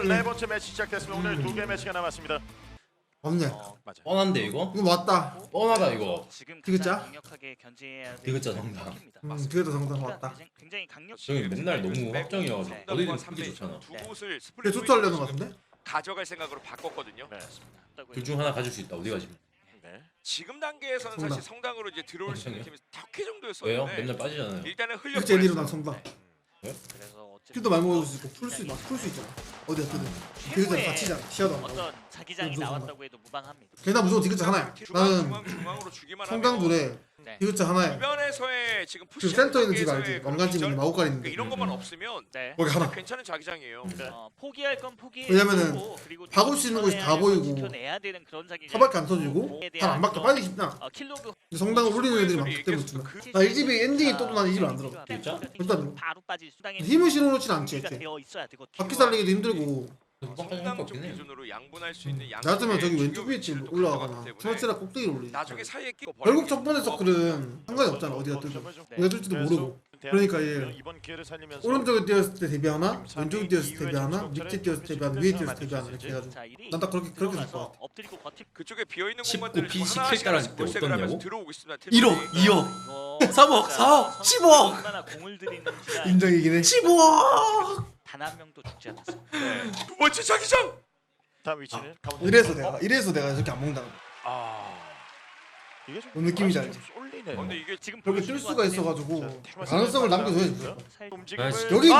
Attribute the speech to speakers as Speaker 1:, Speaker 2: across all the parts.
Speaker 1: 네 번째 매치 시작됐습니다. 오늘 두 개 매치가 남았습니다.
Speaker 2: 맞네.
Speaker 1: 맞아.
Speaker 3: 뻔한데 이거?
Speaker 2: 이거 맞다.
Speaker 3: 뻔하다 이거.
Speaker 4: 지금
Speaker 2: 디귿자?
Speaker 4: 강력하게 견제해야
Speaker 3: 디귿자 정답.
Speaker 2: 뒤에도 정답 맞다.
Speaker 4: 굉장히 강력.
Speaker 3: 저기 맨날 너무 확정이어서
Speaker 4: 네.
Speaker 3: 어디든 쓰기 좋잖아.
Speaker 5: 두 곳을
Speaker 2: 근데
Speaker 5: 스플릿
Speaker 2: 투투하려는 것 같은데?
Speaker 5: 가져갈 생각으로 바꿨거든요.
Speaker 1: 네.
Speaker 3: 둘 중 하나 가질 수 있다. 어디가 지금?
Speaker 1: 네.
Speaker 5: 지금 단계에서는
Speaker 2: 성당.
Speaker 5: 사실 성당으로 이제 들어올 수 있는
Speaker 3: 성당이요?
Speaker 5: 팀이 덕회
Speaker 3: 왜요?
Speaker 5: 정도였었는데
Speaker 3: 맨날 빠지잖아요.
Speaker 5: 일단은 흘려
Speaker 2: 그치 애니로 난 성당.
Speaker 4: 그래서
Speaker 2: 킬도 많이 먹을 수 있고 풀 수 있잖아. 어디가 뜨든. 디귿자 다치잖아. 시야도 안 나고.
Speaker 4: 어떤 자기장이
Speaker 2: 무슨
Speaker 4: 나왔다고 해도 무방합니다.
Speaker 2: 걔나 무조건 디귿자 하나야. 나는
Speaker 5: 중앙으로 주기만
Speaker 2: 성당
Speaker 5: 하면
Speaker 2: 둘에
Speaker 4: 네.
Speaker 2: 디귿자 하나야.
Speaker 5: 주변에서의 지금
Speaker 2: 그
Speaker 5: 푸시
Speaker 2: 센터 있는 집 알지? 왕관집 있는 마오깔
Speaker 5: 그러니까
Speaker 2: 있는데.
Speaker 5: 이런 것만 없으면
Speaker 4: 네.
Speaker 2: 거기 하나.
Speaker 5: 괜찮은 자기장이에요.
Speaker 4: 포기할 건 포기.
Speaker 2: 왜냐면은 박을 수 있는 곳이 다 보이고
Speaker 4: 지켜내야 되는 그런 자기장.
Speaker 2: 타밖에 안 터지고 잘 안 막혀 빨리 쉽나.
Speaker 4: 킬로그
Speaker 2: 성당을 올리는 애들이 많기 때문에 좋나. 나이 집이 엔딩이 떠도 난 이 집을 안 들어.
Speaker 3: 진짜?
Speaker 2: 일단
Speaker 4: 바로 빠질 수당에
Speaker 2: 힘을 실어놓진 않지
Speaker 4: 준비가
Speaker 2: 애초에.
Speaker 4: 되어 있어야 되고.
Speaker 2: 바퀴 살리기도 힘들고.
Speaker 5: 성당 쪽
Speaker 3: 없긴 해.
Speaker 5: 기준으로 양분할 수 있는 양.
Speaker 2: 낮으면 저기 왼쪽 위에 집 올라가거나 트러치라 꼭대기를 올리지.
Speaker 5: 나중에 사이에 끼고
Speaker 2: 결국 첫 번째 서클은 상관이 없잖아 어디가 뜨든. 어디가 뜰지도 모르고. 그러니까 얘
Speaker 1: 이번 기회를 살리면서
Speaker 2: 오른쪽에 뛰었을 때 대비하나 왼쪽에 뛰었을 때 대비하나 밑에 뛰었을 때 대비하나 위에 뛰었을 때 대비하나 이렇게 해가지고 난 딱 그렇게 될 것 같아.
Speaker 4: 엎드리고 버티.
Speaker 5: 그쪽에 비어 있는
Speaker 3: 19
Speaker 5: 공간들을
Speaker 3: 피
Speaker 5: 지금
Speaker 3: 17 달할
Speaker 5: 하나씩
Speaker 3: 때
Speaker 5: 몰색을 하면서
Speaker 3: 어떻냐고?
Speaker 5: 들어오고 있습니다.
Speaker 3: 1억, 2억, 3억, 4억, 10억.
Speaker 4: 얼마나 공을 들이는지
Speaker 2: 인정이긴 해.
Speaker 3: 15억.
Speaker 4: 단 한 명도 죽지 않았습니다.
Speaker 5: 두 번째 자기장.
Speaker 1: 다음 위치는 가운데.
Speaker 2: 이래서 내가 이렇게 안 먹는다.
Speaker 1: 이게 좀
Speaker 2: 뭔 느낌인지 알지?
Speaker 1: 좀 쏠리네요.
Speaker 5: 근데 이게
Speaker 4: 지금
Speaker 2: 그렇게 뜰 수가 있어가지고 가능성을 남겨줘야지. 무조건.
Speaker 1: 움직임을
Speaker 2: 여기 있는 게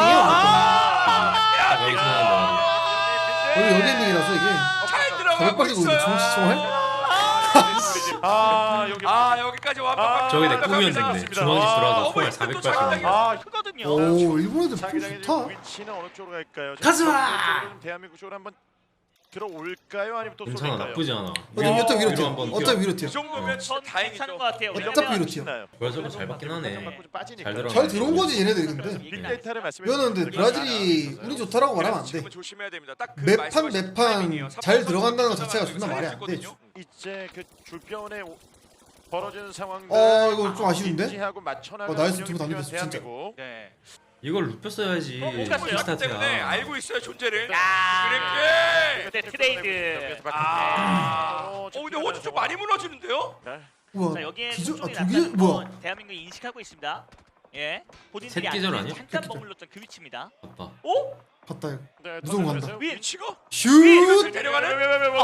Speaker 3: 딱 여기서 나온다.
Speaker 2: 여기 엔딩이라서 이게
Speaker 5: 잘 들어가고
Speaker 2: 가볍게
Speaker 5: 있어요.
Speaker 2: 정치총알?
Speaker 1: 여기
Speaker 5: 여기까지 완벽하게
Speaker 3: 저기 내
Speaker 5: 완벽하게
Speaker 3: 꾸미면 되겠네.
Speaker 5: 나왔습니다.
Speaker 3: 중앙집 들어와서
Speaker 5: 또
Speaker 3: 총알
Speaker 5: 자기장이
Speaker 3: 480.
Speaker 4: 크거든요.
Speaker 2: 오 일본 애들 풀
Speaker 1: 자기장의
Speaker 2: 좋다.
Speaker 1: 위치는 어느 쪽으로 갈까요?
Speaker 3: 가즈마!
Speaker 1: 대한민국 쪽으로 한번 들어올까요? 아니면 또
Speaker 3: 괜찮아,
Speaker 1: 쏠릴까요?
Speaker 3: 나쁘지 않아.
Speaker 2: 어차피 위로 튀어.
Speaker 3: 한번
Speaker 2: 어차피 위로
Speaker 5: 이
Speaker 2: 튀어.
Speaker 5: 정도면 진짜
Speaker 4: 전
Speaker 5: 다행이죠.
Speaker 4: 괜찮은 것 같아요.
Speaker 2: 어차피 위로 튀어.
Speaker 1: 신나요.
Speaker 3: 벌써 잘 받긴 하네. 잘 들어가.
Speaker 2: 잘 들어온 거지 얘네들이 근데.
Speaker 1: 빅데이터를 말씀해
Speaker 2: 이거는 근데
Speaker 1: 주셨는데
Speaker 2: 브라질이 운이 좋다라고 말하면 안 돼.
Speaker 5: 지금은 조심해야 됩니다. 딱그
Speaker 2: 매판
Speaker 5: 말씀하신
Speaker 2: 매판
Speaker 5: 타이밍이에요.
Speaker 2: 잘 들어간다는 것 자체가
Speaker 5: 지금
Speaker 2: 존나 말이 안 돼.
Speaker 5: 살릴 수 있거든요.
Speaker 1: 이제 그 줄변에 벌어지는 상황들
Speaker 2: 이거 좀 아쉬운데?
Speaker 1: 인지하고 맞춰나가는
Speaker 2: 나이스
Speaker 1: 운영이
Speaker 2: 두분 다
Speaker 1: 필요한
Speaker 2: 믿었어, 진짜.
Speaker 1: 대한민국.
Speaker 4: 네.
Speaker 3: 이걸 눕혔어야지.
Speaker 4: 못 갔어요.
Speaker 5: 그렇기 때문에
Speaker 3: 킥스타트야.
Speaker 5: 알고 있어요 존재를.
Speaker 4: 야.
Speaker 5: 그렇게.
Speaker 4: 네, 트레이드.
Speaker 5: 근데 호주 좀 많이 무너지는데요?
Speaker 2: 우와
Speaker 4: 자 여기에
Speaker 2: 기절
Speaker 4: 손종이
Speaker 2: 아 기절
Speaker 4: 났다는
Speaker 2: 뭐야?
Speaker 4: 건 대한민국이 인식하고 있습니다. 예. 본인들이
Speaker 3: 새끼절
Speaker 4: 아직은
Speaker 3: 아니야?
Speaker 4: 잠깐
Speaker 2: 새끼절.
Speaker 4: 머물렀던 그 위치입니다.
Speaker 3: 봤다.
Speaker 4: 오?
Speaker 2: 봤다 이거.
Speaker 1: 네,
Speaker 2: 무서운 거
Speaker 1: 던져주세요.
Speaker 2: 한다.
Speaker 4: 위.
Speaker 5: 위치가?
Speaker 2: 슛.
Speaker 5: 데려가는?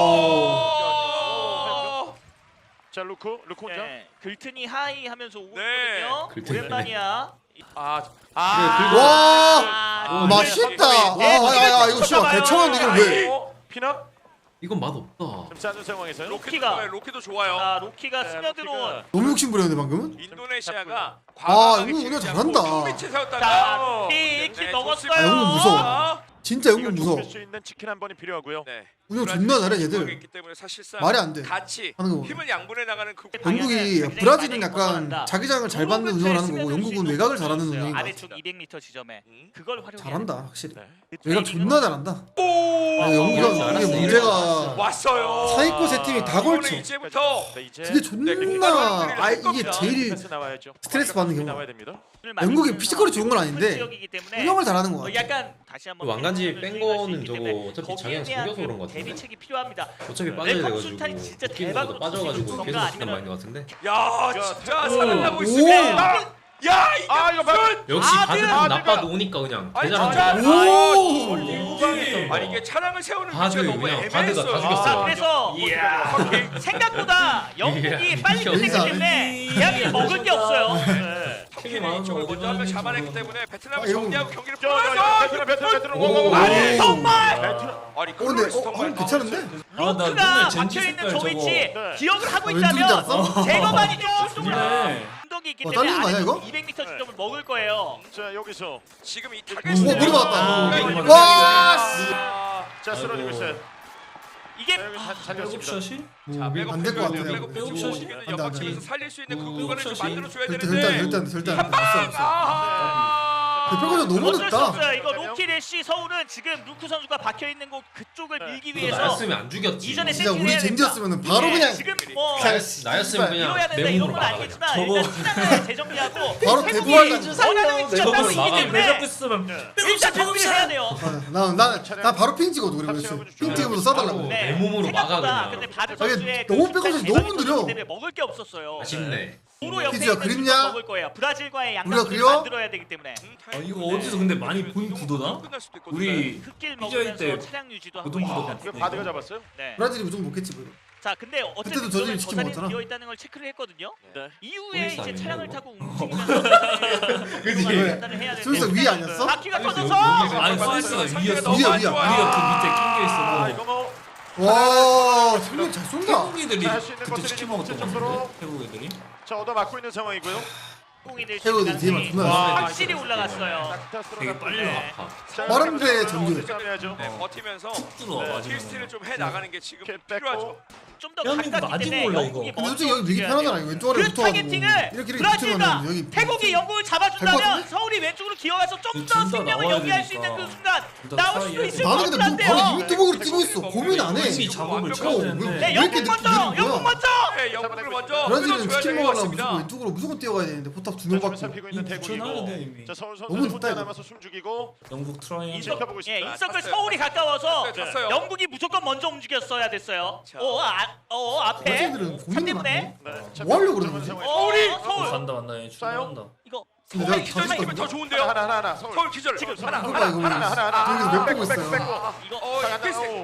Speaker 1: 자 루크 혼자.
Speaker 4: 네. 글튼이 하이 하면서 오고
Speaker 5: 네.
Speaker 4: 있거든요.
Speaker 3: 글튼이
Speaker 4: 오랜만이야.
Speaker 2: 와
Speaker 4: 아,
Speaker 2: 맛있다.
Speaker 4: 네.
Speaker 2: 아야야 이거 씨발 개청한 이걸 왜?
Speaker 1: 피넛
Speaker 3: 이건 맛없다.
Speaker 1: 좀 짜는 상황에서요.
Speaker 5: 로키도 좋아요.
Speaker 4: 아, 로키가
Speaker 1: 네,
Speaker 4: 스며들어온.
Speaker 2: 너무 욕심 부렸는데 방금은?
Speaker 5: 인도네시아가
Speaker 2: 이거 은호 잘한다.
Speaker 4: 자,
Speaker 5: 세웠다가
Speaker 4: 로키 킬 먹었어요.
Speaker 2: 아, 영웅 무서워. 진짜
Speaker 1: 이거
Speaker 2: 영국 무서워.
Speaker 1: 좁힐 수 있는 치킨 한 번이 필요하고요.
Speaker 5: 네.
Speaker 2: 운영 존나 잘해 얘들.
Speaker 5: 있기 때문에 사실상
Speaker 2: 말이 안 돼.
Speaker 5: 같이
Speaker 2: 하는 거 보면.
Speaker 5: 힘을 양분해 나가는 그
Speaker 2: 영국이
Speaker 4: 굉장히
Speaker 2: 브라질은
Speaker 4: 많이
Speaker 2: 약간
Speaker 4: 벗어난다.
Speaker 2: 자기장을 잘 받는 운영을 하는 거고 영국은 외곽을 잘하는
Speaker 4: 있어요.
Speaker 2: 운영인 것
Speaker 4: 아래쪽
Speaker 2: 같아.
Speaker 4: 200m 지점에 그걸 활용해.
Speaker 2: 잘한다 확실히.
Speaker 1: 네.
Speaker 2: 외곽 존나 잘한다.
Speaker 5: 오!
Speaker 2: 영국이
Speaker 3: 알았어,
Speaker 2: 이게 문제가
Speaker 5: 왔어요.
Speaker 2: 사이코 세 팀이 다 걸쳐.
Speaker 5: 이거는 이제부터
Speaker 1: 네, 이제
Speaker 2: 그게 존나 이게 제일
Speaker 1: 패스 나와야죠.
Speaker 2: 스트레스 받는 경우가.
Speaker 1: 나와야 됩니다.
Speaker 2: 영국이 피지컬이 좋은 건 아닌데
Speaker 4: 지역이기 때문에
Speaker 2: 운영을 잘하는 것 같아.
Speaker 4: 약간 다시 한번
Speaker 3: 왕관지 뺀 거는 저거
Speaker 4: 때문에
Speaker 3: 어차피
Speaker 4: 거기에
Speaker 3: 자기가
Speaker 4: 대한
Speaker 3: 속여서 그런 거 같은데.
Speaker 4: 대비책이 필요합니다.
Speaker 3: 어차피 빠져야
Speaker 4: 네,
Speaker 3: 돼가지고
Speaker 4: 컴술탄이 진짜
Speaker 3: 웃기는
Speaker 4: 대박으로
Speaker 3: 것도 빠져가지고
Speaker 4: 터지고
Speaker 3: 계속
Speaker 4: 있던가
Speaker 3: 시간 많이 것 같은데.
Speaker 5: 야 진짜
Speaker 1: 오.
Speaker 5: 살아나고
Speaker 2: 오.
Speaker 5: 있습니다. 야 이게
Speaker 1: 이거
Speaker 5: 무슨
Speaker 3: 역시
Speaker 4: 아,
Speaker 3: 바드는
Speaker 4: 아,
Speaker 3: 나빠도 오니까 그냥
Speaker 5: 아니
Speaker 3: 대단한
Speaker 5: 진짜
Speaker 3: 거야.
Speaker 2: 오.
Speaker 5: 아니 이게 차량을 세우는
Speaker 3: 바드
Speaker 5: 위치가 너무
Speaker 3: 그냥 바드가 다
Speaker 5: 애매했어요.
Speaker 3: 죽였어요.
Speaker 4: 자, 그래서 생각보다 영국이
Speaker 3: 이야,
Speaker 4: 빨리 끝냈기
Speaker 2: 인사.
Speaker 4: 때문에 대한민국 먹을 게 없어요.
Speaker 1: 네.
Speaker 5: 터키는 이쪽을 먼저 한 명 잡아냈기 때문에 베트남을
Speaker 2: 이거
Speaker 5: 정리하고 경기를
Speaker 1: 베트남
Speaker 5: 풀어서
Speaker 3: 오.
Speaker 5: 아니
Speaker 4: 정말
Speaker 5: 아니
Speaker 2: 근데
Speaker 5: 클로리스 정말
Speaker 2: 괜찮은데?
Speaker 4: 로크가 박혀있는 저 위치
Speaker 1: 네.
Speaker 4: 기억을 하고
Speaker 2: 왼쪽인 줄
Speaker 4: 있다면
Speaker 2: 알았어?
Speaker 4: 제거만이 조금은 운동이 있기 때문에
Speaker 2: 잘리는 거 아니야, 이거?
Speaker 4: 200m 지점을 먹을 거예요.
Speaker 1: 자 여기서
Speaker 5: 지금 이
Speaker 2: 오
Speaker 5: 타겟이
Speaker 2: 머리 맞았다.
Speaker 3: 이거
Speaker 2: 와.
Speaker 1: 자 쓰러지고 있어요.
Speaker 4: 이게
Speaker 1: 자, 여기 살렸습니다.
Speaker 2: 안 될 것 같아요.
Speaker 5: 백업샷이
Speaker 2: 안 돼, 안 돼.
Speaker 5: 연막체에서 살릴 수 있는 그 공간을 좀 만들어줘야
Speaker 2: 절대
Speaker 5: 되는데
Speaker 2: 절대 안 돼. 절대 안 돼. 없어 없어. 대표가 너무
Speaker 4: 어쩔 수
Speaker 2: 늦다.
Speaker 4: 없어요. 이거 로키 래쉬 서울은 지금 루크 선수가 박혀 있는 곳 그쪽을 밀기 위해서
Speaker 3: 나였으면 안 죽였지.
Speaker 4: 이전에
Speaker 2: 진짜
Speaker 4: 세팅을
Speaker 2: 우리
Speaker 4: 해야 됩니다.
Speaker 2: 젠지였으면 바로
Speaker 4: 네,
Speaker 2: 그냥
Speaker 4: 지금 뭐
Speaker 2: 그냥
Speaker 3: 나였으면 그냥
Speaker 4: 이뤄야 된다 이런
Speaker 3: 맹목으로
Speaker 4: 건
Speaker 3: 막아.
Speaker 4: 아니겠지만
Speaker 3: 저거
Speaker 4: 일단 시간을 재정비하고
Speaker 2: 바로
Speaker 4: 태국이
Speaker 2: 대부활
Speaker 4: 원하는 위치가
Speaker 3: 저거를
Speaker 4: 따로 있기
Speaker 3: 막아.
Speaker 4: 때문에
Speaker 5: 있으면
Speaker 4: 일단 정비를 해야 돼요.
Speaker 2: 나 바로 핑 찍어도 그래 그랬어. 핑 찍으면서 써달라고.
Speaker 3: 내 몸으로 막아,
Speaker 4: 생각보다
Speaker 3: 그냥.
Speaker 4: 근데 바드
Speaker 2: 아니,
Speaker 4: 선수의
Speaker 2: 너무
Speaker 4: 그
Speaker 2: 백업이
Speaker 4: 순간
Speaker 2: 너무
Speaker 4: 대박이
Speaker 2: 느려.
Speaker 4: 터지기 때문에 먹을 게 없었어요.
Speaker 3: 아쉽네.
Speaker 4: 도로 옆에
Speaker 2: 피지야,
Speaker 4: 있는
Speaker 2: 그립냐?
Speaker 4: 수도 먹을 거예요. 브라질과의
Speaker 2: 우리가
Speaker 4: 양강을
Speaker 2: 그려?
Speaker 4: 만들어야 되기 때문에
Speaker 6: 이거 어디서 근데 많이 본 구도다? 우리
Speaker 4: 흙길
Speaker 6: 피지아이
Speaker 4: 먹으면서
Speaker 6: 때
Speaker 4: 차량 유지도 하고
Speaker 6: 고등 구도
Speaker 4: 있습니다.
Speaker 1: 이거 바드가 잡았어요?
Speaker 4: 네.
Speaker 2: 브라질이 무조건 먹겠지 뭐.
Speaker 4: 자 근데 어쨌든
Speaker 2: 그때도 저들이
Speaker 4: 그러면
Speaker 2: 치킨
Speaker 4: 저자리는
Speaker 2: 먹었잖아.
Speaker 4: 비어 있다는 걸 체크를 했거든요.
Speaker 1: 네.
Speaker 4: 이후에
Speaker 3: 폴리스
Speaker 4: 이제
Speaker 3: 아니에요,
Speaker 4: 차량을
Speaker 3: 이거?
Speaker 4: 타고 움직이면서
Speaker 3: 그치?
Speaker 4: 판단을 해야 되는데
Speaker 2: 스위스가 위 아니었어?
Speaker 4: 바퀴가
Speaker 3: 스위스
Speaker 4: 터져서
Speaker 6: 아니 스위스가 위였어.
Speaker 2: 위야, 위야.
Speaker 6: 우리가 그 밑에 낀 게
Speaker 1: 아
Speaker 6: 있어.
Speaker 1: 이거 뭐
Speaker 2: 와, 정말 잘 쏜다.
Speaker 6: 태국 애들이
Speaker 1: 할수 있는
Speaker 6: 그때
Speaker 1: 것들이
Speaker 6: 치킨
Speaker 1: 좀
Speaker 6: 먹었던 거
Speaker 1: 정도로.
Speaker 6: 같은데? 태국 애들이?
Speaker 1: 자 얻어 맞고 있는 상황이고요.
Speaker 4: 공이들
Speaker 2: 태국이 뒤에만 존나
Speaker 4: 와,
Speaker 2: 잘
Speaker 4: 확실히 올라갔어요.
Speaker 6: 되게 빨리
Speaker 3: 아파.
Speaker 2: 빠른데 정규.
Speaker 1: 싸움해야죠.
Speaker 5: 네, 버티면서
Speaker 6: 들어와 마지막에.
Speaker 5: 킬스틸을 좀 해 나가는 게 지금
Speaker 1: 뺐고.
Speaker 5: 필요하죠.
Speaker 4: 좀 더
Speaker 6: 대한민국
Speaker 4: 가깝기
Speaker 6: 아직
Speaker 4: 때문에
Speaker 6: 몰라,
Speaker 4: 영국이
Speaker 6: 이거.
Speaker 2: 근데 솔직히 여기 밀기
Speaker 4: 움직여야 돼요.
Speaker 2: 편하잖아. 왼쪽 아래
Speaker 4: 그
Speaker 2: 붙어가지고
Speaker 4: 타겟팅을
Speaker 2: 이렇게
Speaker 4: 브라질과
Speaker 2: 붙으면 여기
Speaker 4: 태국이 영국을
Speaker 2: 갈것
Speaker 4: 잡아준다면
Speaker 2: 같은데?
Speaker 4: 서울이 왼쪽으로 기어가서 좀
Speaker 6: 둘
Speaker 4: 더
Speaker 6: 다
Speaker 4: 생명을
Speaker 6: 나와야
Speaker 4: 연기할 수 있는
Speaker 6: 되니까.
Speaker 4: 그 순간
Speaker 6: 둘다
Speaker 4: 나올 수도
Speaker 6: 트라이해야
Speaker 4: 있을
Speaker 6: 돼.
Speaker 4: 것
Speaker 2: 나는 근데 뭐 바로
Speaker 4: 같은데요.
Speaker 2: 유튜브로 뛰고 있어. 고민 안 해.
Speaker 6: 이미 작업을 쳐야
Speaker 2: 왜
Speaker 6: 되는데.
Speaker 4: 네,
Speaker 2: 이렇게
Speaker 4: 영국 먼저,
Speaker 2: 느리는
Speaker 4: 영국
Speaker 2: 거야?
Speaker 4: 먼저.
Speaker 5: 네, 영국을 먼저
Speaker 2: 브라질은
Speaker 5: 끊어줘야
Speaker 2: 치킨
Speaker 5: 될것
Speaker 2: 먹으려면
Speaker 5: 같습니다.
Speaker 2: 무조건 왼쪽으로 무조건 뛰어가야 되는데 포탑 두
Speaker 1: 명
Speaker 2: 명 받고.
Speaker 1: 살피고 있는
Speaker 6: 이미
Speaker 1: 대국이고.
Speaker 6: 붙여놔야 돼, 이미.
Speaker 1: 자 서울
Speaker 2: 너무
Speaker 1: 선수
Speaker 2: 좋다,
Speaker 1: 혼자
Speaker 2: 이거.
Speaker 1: 남아서 숨 죽이고
Speaker 6: 영국 트라이
Speaker 4: 인석,
Speaker 1: 지켜보고
Speaker 4: 예,
Speaker 1: 있습니다.
Speaker 4: 인석을
Speaker 5: 탔어요.
Speaker 4: 서울이 가까워서
Speaker 5: 탔어요, 탔어요.
Speaker 4: 영국이 무조건 먼저 움직였어야 됐어요.
Speaker 5: 자.
Speaker 4: 앞에
Speaker 2: 브라질들은 고민이
Speaker 4: 3대분에
Speaker 2: 많네.
Speaker 1: 네.
Speaker 2: 뭐 하려고 그러는 거지?
Speaker 1: 상황이-
Speaker 4: 서울
Speaker 6: 간다 간다 얘 출발한다.
Speaker 4: 이거
Speaker 2: 근데
Speaker 5: 서울
Speaker 2: 내가
Speaker 5: 기절
Speaker 2: 다
Speaker 5: 시키면 더
Speaker 2: 줬거든.
Speaker 5: 좋은데요.
Speaker 1: 하나 서울.
Speaker 5: 서울 기절.
Speaker 4: 지금
Speaker 5: 하나
Speaker 2: 이거 봐 이거
Speaker 1: 하나.
Speaker 2: 여기서 몇 보고 있어요.
Speaker 4: 이거
Speaker 1: 자,
Speaker 5: 킬스틸.
Speaker 1: 오.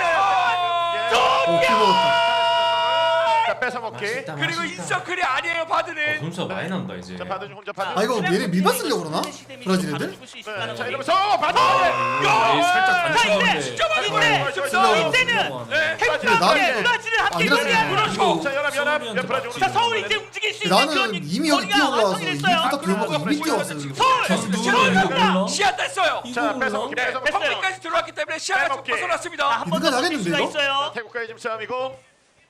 Speaker 2: 오, 킬 먹었다.
Speaker 1: 자 뺏어 먹기.
Speaker 3: 맛있다,
Speaker 5: 그리고
Speaker 3: 맛있다.
Speaker 5: 인서클이 아니에요 바드는.
Speaker 3: 점수가 많이 난다 이제.
Speaker 1: 자 바드 혼자 바드.
Speaker 2: 아 이거 얘네 밀바 쓰려고 그러나? 브라질 애들?
Speaker 1: 네, 자 이러면서 바드.
Speaker 6: 얘 살짝
Speaker 4: 자 이제
Speaker 6: 단추하는데.
Speaker 5: 진짜 많이
Speaker 4: 이때는
Speaker 5: 네.
Speaker 4: 태국과 브라질을 함께
Speaker 2: 아니라서
Speaker 4: 노리한
Speaker 5: 그렇죠.
Speaker 1: 자 연합 브라질.
Speaker 4: 자 서울이 이제 움직일 수 있는
Speaker 2: 나는
Speaker 4: 그런
Speaker 2: 이미 여기
Speaker 4: 거리가
Speaker 2: 뛰어올라와서
Speaker 4: 완성이
Speaker 2: 이미
Speaker 4: 됐어요.
Speaker 2: 포탑 들어가고 이미 뛰어왔어요 지금.
Speaker 4: 서울
Speaker 6: 누구야 이거 몰라?
Speaker 5: 시야 땄어요.
Speaker 1: 자
Speaker 6: 이거
Speaker 1: 뺏어
Speaker 6: 몰라?
Speaker 1: 먹기
Speaker 5: 네,
Speaker 1: 뺏어 먹기.
Speaker 4: 됐어요.
Speaker 5: 컴플까지 들어왔기 때문에 시야가 좀
Speaker 1: 빼먹기.
Speaker 5: 벗어났습니다.
Speaker 4: 한번
Speaker 2: 누가
Speaker 4: 더
Speaker 2: 나겠는데,
Speaker 4: 수가
Speaker 2: 이거?
Speaker 4: 있어요.
Speaker 1: 태국과의 지금 싸움이고.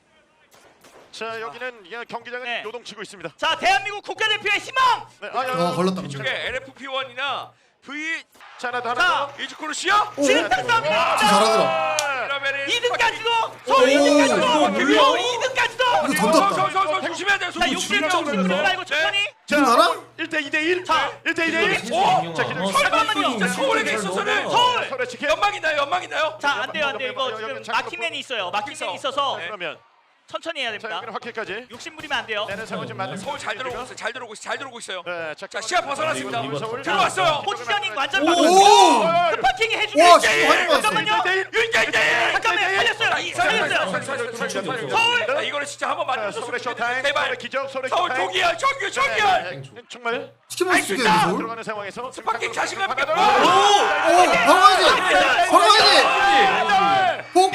Speaker 1: 자 여기는 이게 경기장은
Speaker 4: 네.
Speaker 1: 요동치고 있습니다.
Speaker 4: 자 대한민국 국가대표의 희망.
Speaker 1: 네,
Speaker 2: 걸렸다.
Speaker 5: 이쪽에 LFP1이나 V
Speaker 1: 자 하나 더
Speaker 4: 자,
Speaker 1: 하나 더.
Speaker 5: 이즈코르시아.
Speaker 2: 오,
Speaker 4: 지금 싸움이다.
Speaker 2: 진짜 잘하더라.
Speaker 5: 그러면은
Speaker 4: 2등까지도 서울 2등까지도 서울 2등까지도.
Speaker 2: 이거 던졌다.
Speaker 5: 서 조심해야 돼요.
Speaker 4: 자 60점 들어가고 천천히.
Speaker 2: 지금 알아?
Speaker 1: 1대 2대 1.
Speaker 4: 자,
Speaker 1: 1대 2대 1.
Speaker 5: 오!
Speaker 1: 자 기다려.
Speaker 4: 잠깐만요.
Speaker 5: 자, 서울에게 있어서는
Speaker 4: 서울.
Speaker 1: 서울의 치킨.
Speaker 5: 연막 있나요? 연막 있나요?
Speaker 4: 자 안 돼요 안 돼요 이거 지금 마킹맨이 있어요. 마킹맨이 있어서
Speaker 5: 네.
Speaker 1: 그러면
Speaker 4: 천천히 해야
Speaker 1: 자
Speaker 4: 됩니다.
Speaker 1: 여기는 확킬까지.
Speaker 4: 욕심 부리면 안 돼요.
Speaker 1: 내는 상황 좀 만들.
Speaker 5: 서울 잘 들어오고 있어요. 잘 들어오고 있어요. 잘 들어오고 있어요.
Speaker 1: 네,
Speaker 5: 자, 시야 벗어났습니다.
Speaker 1: 서울.
Speaker 5: 들어왔어요.
Speaker 4: 포지셔닝 완전
Speaker 2: 오!
Speaker 4: 바꿨어요. 급파킹이 해주면
Speaker 2: 와,
Speaker 4: 이제.
Speaker 2: 진짜 많이
Speaker 4: 잠깐만요.
Speaker 5: 자,
Speaker 4: 잠깐만 살렸어요. 서울.
Speaker 5: 자, 이거를 진짜 한번 만들어줬으면
Speaker 1: 서울의
Speaker 5: 좋겠는데
Speaker 1: 쇼타임.
Speaker 5: 제발.
Speaker 1: 서울의 기적. 서울의
Speaker 5: 서울
Speaker 1: 쇼타임.
Speaker 5: 조기열, 정규, 정규열.
Speaker 1: 정말
Speaker 2: 치킨 먹을 수 있겠네 서울.
Speaker 1: 들어가는 상황에서
Speaker 5: 스파킹 자신감 있게.
Speaker 2: 오! 바로 가야지! 바로 가야지! 복!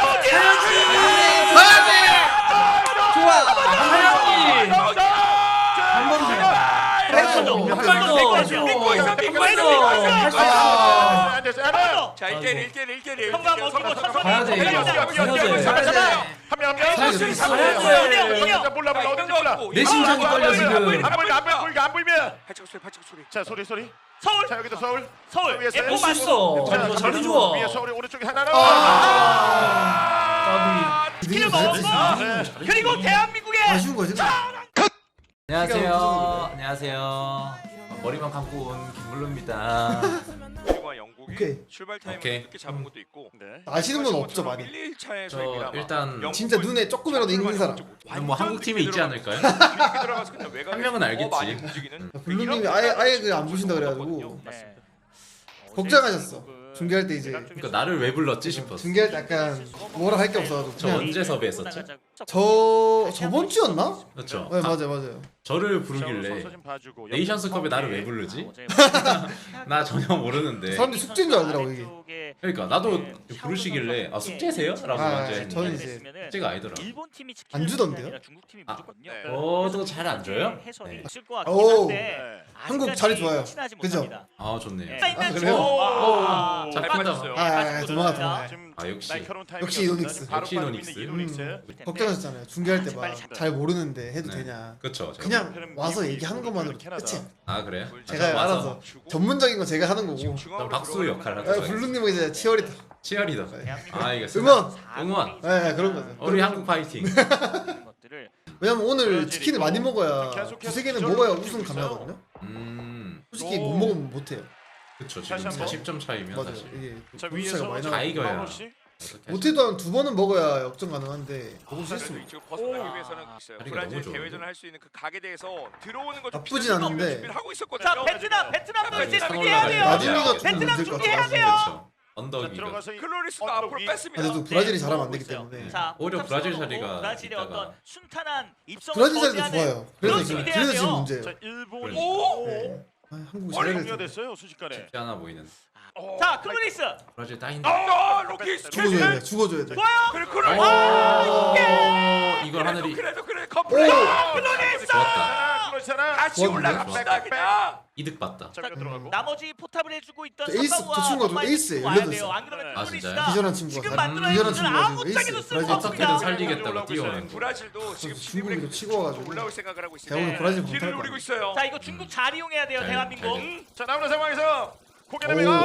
Speaker 1: 안 됐어. 하나.
Speaker 5: 자, 1대1, 1대1, 1대1.
Speaker 4: 형과 먹히고 천천히.
Speaker 3: 가야 돼, 이거.
Speaker 1: 한 명. 몰라. 어딘지 몰라.
Speaker 3: 내 심장이 떨려 지금.
Speaker 1: 안 보이면.
Speaker 5: 발짝 소리.
Speaker 1: 자, 소리.
Speaker 4: 서울.
Speaker 1: 자, 여기도 서울.
Speaker 4: 서울.
Speaker 1: 위에서
Speaker 4: F
Speaker 6: 할 수 있어.
Speaker 1: 자,
Speaker 6: 자리 좋아.
Speaker 1: 위에 서울이 오른쪽에 하나로.
Speaker 4: 스킬을 먹었고 그리고 대한민국의
Speaker 2: 아쉬운 거지.
Speaker 7: 안녕하세요. 안녕하세요. 머리만 감고 온 김물로입니다.
Speaker 5: 미국과 영국이
Speaker 2: 오케이.
Speaker 5: 출발 타임을
Speaker 3: 오케이.
Speaker 5: 늦게 잡은 것도 있고.
Speaker 1: 네.
Speaker 2: 아시는 분 없죠 많이.
Speaker 5: 1, 2차에서
Speaker 3: 저 일단
Speaker 2: 진짜 눈에 조금이라도 익는 사람.
Speaker 3: 뭐 한국 팀에 있지 않을까요?
Speaker 5: 한
Speaker 3: 명은 알겠지.
Speaker 5: 많이 움직이는.
Speaker 2: 블루님이 아예 그 안 보신다 그래가지고
Speaker 4: 네.
Speaker 2: 걱정하셨어. 중계할 때 이제
Speaker 3: 그러니까 나를 왜 불렀지 싶었어.
Speaker 2: 중계할 때 약간 뭐라 할 게 없어가지고
Speaker 3: 저
Speaker 2: 그냥
Speaker 3: 언제 섭외했었지?
Speaker 2: 저번 주였나?
Speaker 3: 그렇죠.
Speaker 2: 네 맞아요.
Speaker 3: 저를 부르길래 네이션스컵에 나를 왜 부르지? 나 전혀 모르는데.
Speaker 2: 사람들이 숙제인 줄 알더라고 이게.
Speaker 3: 그러니까 나도 부르시길래 아 숙제세요? 라고
Speaker 2: 아,
Speaker 3: 먼저 했는데
Speaker 2: 저는 이제
Speaker 3: 숙제가 아니더라.
Speaker 4: 일본 팀이
Speaker 2: 안 주던데요?
Speaker 4: 중국 팀이
Speaker 3: 아,
Speaker 4: 무조건요.
Speaker 5: 네.
Speaker 3: 저도 잘 안 줘요?
Speaker 4: 해설이
Speaker 3: 네.
Speaker 4: 있을 것 같긴
Speaker 2: 오.
Speaker 4: 한데
Speaker 2: 한국 자리 좋아요.
Speaker 4: 친하지
Speaker 2: 그죠?
Speaker 4: 못합니다.
Speaker 3: 아 좋네요.
Speaker 4: 네.
Speaker 2: 아, 그래요?
Speaker 4: 오.
Speaker 3: 잘
Speaker 5: 빠졌어요.
Speaker 2: 아 도망가.
Speaker 1: 지금
Speaker 3: 아 역시
Speaker 1: 날카로운 타이밍.
Speaker 2: 역시 이노닉스.
Speaker 1: 바로
Speaker 3: 역시
Speaker 1: 빠지고
Speaker 3: 이노닉스.
Speaker 1: 있는 이노닉스.
Speaker 2: 걱정하셨잖아요. 중계할 때
Speaker 4: 빨리
Speaker 2: 막
Speaker 4: 잡자.
Speaker 2: 잘 모르는데 해도
Speaker 3: 네.
Speaker 2: 되냐.
Speaker 3: 그쵸.
Speaker 2: 그냥 와서 얘기하는 것만으로 끝이야.
Speaker 3: 아 그래요?
Speaker 2: 제가
Speaker 3: 맞아.
Speaker 2: 알아서 전문적인 거 제가 하는 거고.
Speaker 3: 좀 박수 역할
Speaker 2: 아,
Speaker 3: 하죠.
Speaker 2: 블루님은 이제 치어리더.
Speaker 3: 치어리더.
Speaker 4: 대한민국
Speaker 3: 아 이거
Speaker 2: 응원.
Speaker 3: 응원.
Speaker 2: 네, 그런 거죠.
Speaker 3: 우리 한국 파이팅.
Speaker 4: 이런 것들을
Speaker 2: 왜냐면 오늘
Speaker 1: 브라질이고
Speaker 2: 치킨을 많이 먹어야
Speaker 1: 계속해서
Speaker 2: 두세 개는
Speaker 1: 기절을
Speaker 2: 먹어야
Speaker 1: 시키고
Speaker 2: 우승
Speaker 1: 있어요.
Speaker 2: 가능하거든요.
Speaker 1: 오.
Speaker 2: 솔직히 못 먹으면 못 해요.
Speaker 3: 그쵸
Speaker 1: 다시
Speaker 3: 지금
Speaker 1: 한번.
Speaker 3: 40점 차이면
Speaker 2: 맞아요.
Speaker 3: 사실
Speaker 2: 이게
Speaker 1: 자
Speaker 2: 점수 차이가
Speaker 1: 위에서
Speaker 2: 많이
Speaker 3: 다
Speaker 2: 나요.
Speaker 3: 이겨야.
Speaker 1: 마우씨.
Speaker 3: 어떻게
Speaker 2: 못해도 한 두 번은 먹어야 역전 가능한데 먹을 수 있습니다.
Speaker 5: 지금 벗어나기 위해서는 있어요.
Speaker 3: 자리가
Speaker 5: 브라질
Speaker 3: 너무 좋은데?
Speaker 5: 대회전을 할 수 있는 그 각에 대해서 들어오는 거
Speaker 2: 나쁘진 않은데.
Speaker 5: 준비를 하고 있었거든요.
Speaker 4: 자 베트남도 이제
Speaker 5: 자,
Speaker 4: 준비해야 돼요.
Speaker 2: 나중에가 좀
Speaker 4: 베트남
Speaker 2: 문제일 것
Speaker 4: 준비해야
Speaker 2: 같아요.
Speaker 4: 돼요.
Speaker 3: 그쵸. 언덕
Speaker 1: 자
Speaker 3: 위가.
Speaker 1: 들어가서
Speaker 5: 클로리스가 앞으로 뺐습니다.
Speaker 2: 그래도 브라질이
Speaker 4: 네,
Speaker 2: 잘하면 안
Speaker 4: 들어오고
Speaker 2: 되기
Speaker 4: 있어요.
Speaker 2: 때문에.
Speaker 4: 자,
Speaker 3: 오히려
Speaker 4: 포탑
Speaker 3: 브라질
Speaker 4: 세워놓고
Speaker 3: 자리가
Speaker 4: 브라질의
Speaker 3: 있다가-
Speaker 4: 어떤 순탄한 입성을
Speaker 2: 브라질 자리도
Speaker 4: 거대하는
Speaker 2: 좋아요.
Speaker 4: 그런
Speaker 2: 그래서 지금
Speaker 4: 준비돼야
Speaker 2: 지금
Speaker 4: 돼요.
Speaker 2: 문제예요.
Speaker 1: 자 일본이
Speaker 5: 오!
Speaker 2: 네. 아, 한국이
Speaker 1: 머리
Speaker 2: 잘해야
Speaker 1: 종료가
Speaker 2: 돼.
Speaker 1: 됐어요 순식간에.
Speaker 3: 쉽지 않아 보이는.
Speaker 4: 자 클로리스
Speaker 3: 브라질 따인다.
Speaker 5: 로키
Speaker 2: 죽어줘야 돼. 죽어줘야 돼.
Speaker 4: 좋아요.
Speaker 5: 그래
Speaker 3: 이걸 하늘이
Speaker 5: 그래도 그래 커플
Speaker 3: 좋았다.
Speaker 1: 그렇잖아.
Speaker 5: 같이
Speaker 2: 좋았는데?
Speaker 5: 올라갑시다 그냥.
Speaker 3: 이득 봤다.
Speaker 1: 자 들어가고.
Speaker 4: 나머지 포탑을 해주고 있던
Speaker 2: 저 에이스,
Speaker 4: 사파우와
Speaker 2: 저 친구가 좀
Speaker 4: 엄마의
Speaker 2: 에이스예요.
Speaker 4: 와야
Speaker 2: 열여덟
Speaker 4: 돼요.
Speaker 2: 살.
Speaker 4: 안 그러면
Speaker 1: 아,
Speaker 4: 클로리스가
Speaker 3: 진짜요?
Speaker 2: 기절한 친구가
Speaker 4: 지금
Speaker 2: 다
Speaker 4: 만들어낸
Speaker 2: 기절한
Speaker 4: 것은
Speaker 2: 친구가
Speaker 4: 아무짝에도
Speaker 2: 지금
Speaker 4: 쓸모
Speaker 2: 에이스.
Speaker 3: 어떻게든
Speaker 4: 없습니다.
Speaker 3: 살리겠다고 뛰어오는 거.
Speaker 5: 브라질도 지금
Speaker 2: 중국이도
Speaker 5: 지금
Speaker 2: 치고 와가지고.
Speaker 5: 올라올 생각을 하고
Speaker 2: 제가 오늘
Speaker 5: 있어요.
Speaker 2: 브라질
Speaker 5: 길을
Speaker 2: 못할
Speaker 5: 노리고
Speaker 2: 거야.
Speaker 5: 있어요.
Speaker 4: 자 이거 중국 잘 이용해야 돼요
Speaker 3: 잘,
Speaker 4: 대한민국.
Speaker 3: 잘
Speaker 1: 자 나오는 상황에서 고개
Speaker 2: 오.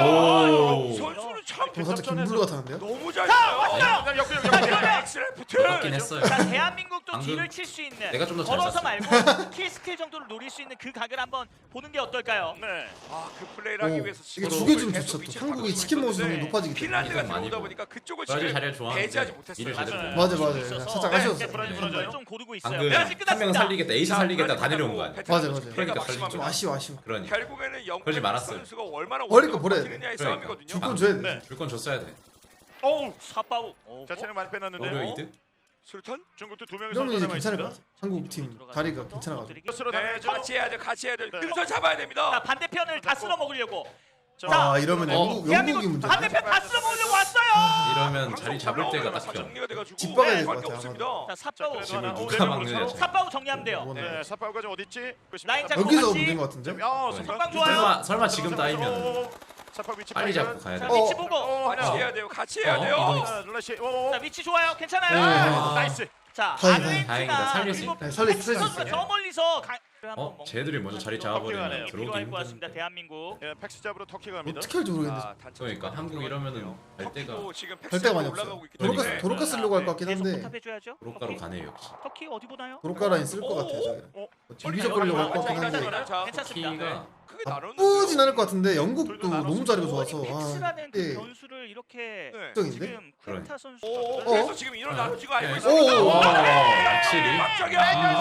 Speaker 1: 내밀어.
Speaker 5: 선수는 참
Speaker 2: 좀 살짝 김블루 같았는데요?
Speaker 5: 너무 잘 쳐요.
Speaker 1: 역전.
Speaker 5: 엑스레프트.
Speaker 3: 맞긴 했어요.
Speaker 4: 자 대한민국도
Speaker 3: 방금
Speaker 4: 뒤를 칠 수 있는
Speaker 3: 내가 좀더잘
Speaker 4: 걸어서
Speaker 3: 쐈어요.
Speaker 4: 말고 킬 스킬 정도를 노릴 수 있는 그 각을 한번 보는 게 어떨까요?
Speaker 1: 네.
Speaker 5: 아그 플레이를 하기 위해서
Speaker 2: 이게
Speaker 5: 지금
Speaker 2: 죽여주면
Speaker 5: 계속
Speaker 2: 좋죠. 또
Speaker 5: 위치를
Speaker 2: 한국이
Speaker 5: 바꾸고
Speaker 2: 치킨 먹을 수
Speaker 5: 있었는데
Speaker 2: 있는 높아지기 때문에.
Speaker 5: 핀란드가
Speaker 3: 이건 많이
Speaker 5: 들어오다
Speaker 3: 보고.
Speaker 5: 보니까 그쪽을
Speaker 3: 브라질
Speaker 5: 지금
Speaker 3: 자리를 좋아하는데
Speaker 5: 배제하지 못했어요.
Speaker 3: 일을 제대로
Speaker 1: 맞아요.
Speaker 3: 못
Speaker 2: 맞아요.
Speaker 4: 있어서
Speaker 2: 살짝
Speaker 4: 네,
Speaker 2: 아쉬웠어요.
Speaker 1: 브라질
Speaker 3: 네.
Speaker 1: 브라질.
Speaker 4: 좀 고르고 있어요.
Speaker 3: 방금
Speaker 4: 네,
Speaker 3: 한
Speaker 4: 끝났습니다.
Speaker 3: 명은 살리겠다, 에이스 살리겠다 다 내려온 거 아니야?
Speaker 2: 맞아요, 맞아요.
Speaker 3: 그러니까
Speaker 5: 막심합니다.
Speaker 2: 좀 아쉬워.
Speaker 3: 그러니까
Speaker 5: 결국에는 영국
Speaker 3: 그러지 말았어요.
Speaker 5: 선수가 얼마나
Speaker 2: 버릴 거 버려야 돼.
Speaker 5: 버티느냐의
Speaker 3: 그러니까.
Speaker 5: 싸움이거든요.
Speaker 2: 줄건 줘야 돼.
Speaker 1: 네.
Speaker 3: 줄 건 줬어야 돼.
Speaker 1: 어우.
Speaker 4: 사파우.
Speaker 1: 자 체력 많이 빼놨는데.
Speaker 3: 오히려 이득?
Speaker 5: 술탄?
Speaker 1: 중국도 두 명이
Speaker 2: 이러면 이제
Speaker 1: 선수 남아
Speaker 2: 괜찮을 것
Speaker 1: 있습니다.
Speaker 2: 같아. 한국 팀 다리가 괜찮아가지고.
Speaker 1: 스스로
Speaker 5: 네,
Speaker 1: 당해야죠.
Speaker 5: 같이 해야죠. 같이 해야 돼.
Speaker 1: 네.
Speaker 5: 근처 잡아야
Speaker 4: 자
Speaker 5: 됩니다.
Speaker 4: 반대편을 다 쓸어 먹으려고.
Speaker 1: 자,
Speaker 2: 아 이러면 영국이
Speaker 4: 대한민국
Speaker 2: 문제.
Speaker 4: 반대편 다 쓸어 먹으려고 왔어요.
Speaker 3: 이러면 자리 잡을 때가 딱 필요해.
Speaker 5: 정리가 돼가지고
Speaker 2: 집 박아야 될것
Speaker 5: 밖에
Speaker 2: 같아요,
Speaker 5: 없습니다.
Speaker 4: 자 사파우.
Speaker 1: 자,
Speaker 3: 집을
Speaker 1: 그래도
Speaker 3: 누가
Speaker 1: 하나,
Speaker 3: 막느냐,
Speaker 1: 서로.
Speaker 3: 지금.
Speaker 4: 사파우 정리하면 돼요.
Speaker 2: 원해.
Speaker 1: 네, 사파우가 좀 어디 있지?
Speaker 4: 라인 잡고
Speaker 2: 여기서
Speaker 4: 같이.
Speaker 2: 문제인 것 같은데?
Speaker 1: 아,
Speaker 4: 선방 좋아요.
Speaker 3: 설마 지금 따이면
Speaker 1: 사파우 위치
Speaker 3: 빨리
Speaker 1: 발견.
Speaker 3: 잡고 가야
Speaker 4: 자
Speaker 3: 돼.
Speaker 4: 위치 보고.
Speaker 5: 같이 해야 돼요. 같이 해야
Speaker 3: 어,
Speaker 5: 돼요.
Speaker 3: 이거
Speaker 1: 자, 룰라시.
Speaker 4: 자 위치 좋아요.
Speaker 2: 네,
Speaker 4: 괜찮아요.
Speaker 1: 나이스.
Speaker 4: 자
Speaker 2: 다행이다.
Speaker 3: 다행이다. 살릴 수
Speaker 4: 그리고
Speaker 3: 있다.
Speaker 2: 네, 살릴 수
Speaker 4: 팩스
Speaker 2: 있어요.
Speaker 4: 선수가 저 멀리서
Speaker 3: 어? 쟤들이 먼저 자리 잡아버리면 들어오기
Speaker 4: 필요할 것 같습니다.
Speaker 3: 힘든.
Speaker 4: 대한민국.
Speaker 1: 예, 팩스 잡으러 터키 갑니다.
Speaker 2: 어떻게 할지 모르겠는데.
Speaker 3: 그러니까 한국 이러면은 갈 때가
Speaker 5: 터키도 지금
Speaker 2: 갈 데가 많이
Speaker 5: 올라가고
Speaker 2: 없어요.
Speaker 5: 있기 때문에
Speaker 3: 그러니까요.
Speaker 2: 도로카 쓰려고 할 것 같긴
Speaker 4: 계속
Speaker 2: 한데
Speaker 4: 포탑해줘야죠.
Speaker 3: 도로가로
Speaker 4: 터키?
Speaker 3: 가네요 역시.
Speaker 4: 터키 어디 보나요?
Speaker 2: 도로카 라인 쓸 것 같아요. 저기. 비비적 거리려고 할 것 같긴 한데
Speaker 5: 자,
Speaker 4: 괜찮습니다.
Speaker 3: 키가
Speaker 5: 크게 나누는
Speaker 2: 나쁘진 않을 것 같은데 영국도 너무 자리가 좋아서
Speaker 4: 팩스라는 그
Speaker 2: 예.
Speaker 4: 변수를 이렇게
Speaker 5: 네.
Speaker 2: 걱정인데?
Speaker 4: 지금 쿠에타 선수가
Speaker 5: 그래서 지금 이런 나누지고 알고
Speaker 3: 네.
Speaker 5: 있습니다.
Speaker 2: 오,
Speaker 3: 확실히
Speaker 5: 갑자기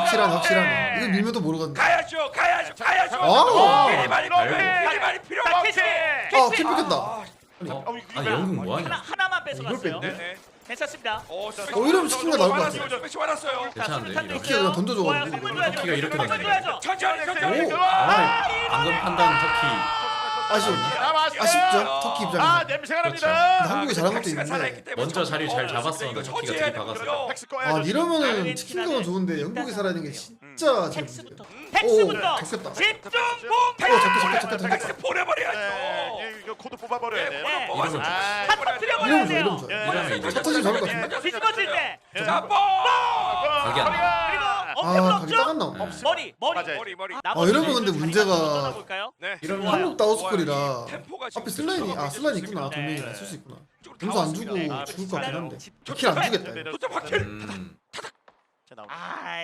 Speaker 2: 확실한 이거 밀면도 모르거든요.
Speaker 5: 가야죠. 가야죠.
Speaker 2: 아.
Speaker 5: 미리 많이 필요
Speaker 4: 자
Speaker 5: 없지.
Speaker 4: 캐치.
Speaker 2: 아, 킬 뺏겼다.
Speaker 3: 어? 아 영국 뭐하냐?
Speaker 4: 하나만 뺏어갔어요.
Speaker 2: 뺐네?
Speaker 5: 네네.
Speaker 4: 괜찮습니다.
Speaker 2: 이러면 치킨가 나올 것 같아요.
Speaker 5: 스페시 받았어요.
Speaker 4: 자
Speaker 3: 괜찮은데,
Speaker 4: 수류탄도
Speaker 3: 이거.
Speaker 2: 터키가
Speaker 4: 있어요.
Speaker 2: 던져줘가지고.
Speaker 4: 좋아요. 선물 줘야죠.
Speaker 3: 터키가 이렇게
Speaker 4: 선물
Speaker 3: 되네.
Speaker 4: 줘야죠.
Speaker 5: 천천히.
Speaker 2: 오.
Speaker 3: 방금 판단 터키
Speaker 2: 아쉽죠. 터키 입장에서.
Speaker 1: 아, 냄새가
Speaker 3: 그렇죠.
Speaker 1: 납니다.
Speaker 2: 근데 한국이 잘한 것도 있는데.
Speaker 3: 먼저 자리를 잘 잡았었는데
Speaker 5: 이거
Speaker 3: 터키가
Speaker 5: 처치해야
Speaker 3: 되게 박았어.
Speaker 5: 되거든요.
Speaker 1: 팩스
Speaker 2: 아
Speaker 1: 꺼야죠.
Speaker 2: 이러면은 치킨감은 좋은데 영국이 살아있는 게 진짜 잘
Speaker 4: 텍스부터.
Speaker 2: 문제예요.
Speaker 4: 텍스부터.
Speaker 2: 텍스다.
Speaker 4: 집중
Speaker 2: 잡혔다.
Speaker 5: 텍스 보내버려야죠.
Speaker 1: 네, 이거 코드 뽑아버려야 돼.
Speaker 4: 네.
Speaker 3: 이러면
Speaker 1: 아,
Speaker 4: 한 터뜨려버려야
Speaker 2: 이러면
Speaker 4: 돼요.
Speaker 2: 좋아.
Speaker 3: 이러면 이제
Speaker 2: 첫 터지 잘할 것 같은데?
Speaker 4: 뒤집어질 때.
Speaker 5: 잡아.
Speaker 3: 각이 안 나.
Speaker 4: 그리고
Speaker 2: 아
Speaker 4: 어깨
Speaker 2: 각이
Speaker 4: 없죠?
Speaker 2: 딱 안 나와.
Speaker 4: 머리.
Speaker 1: 맞아요.
Speaker 5: 머리.
Speaker 2: 이러면 근데 문제가
Speaker 4: 볼까요?
Speaker 5: 네.
Speaker 3: 이러면
Speaker 2: 한국 다우스콜이라
Speaker 5: 템포가 지금
Speaker 2: 앞에 슬라인이 있구나. 두
Speaker 4: 네.
Speaker 2: 명이나 쓸 수 있구나. 점수 안 주고 죽을 것 같긴 한데 킬 안 주겠다 이거.
Speaker 5: 도착 박힐.
Speaker 1: 자, 나옵니다.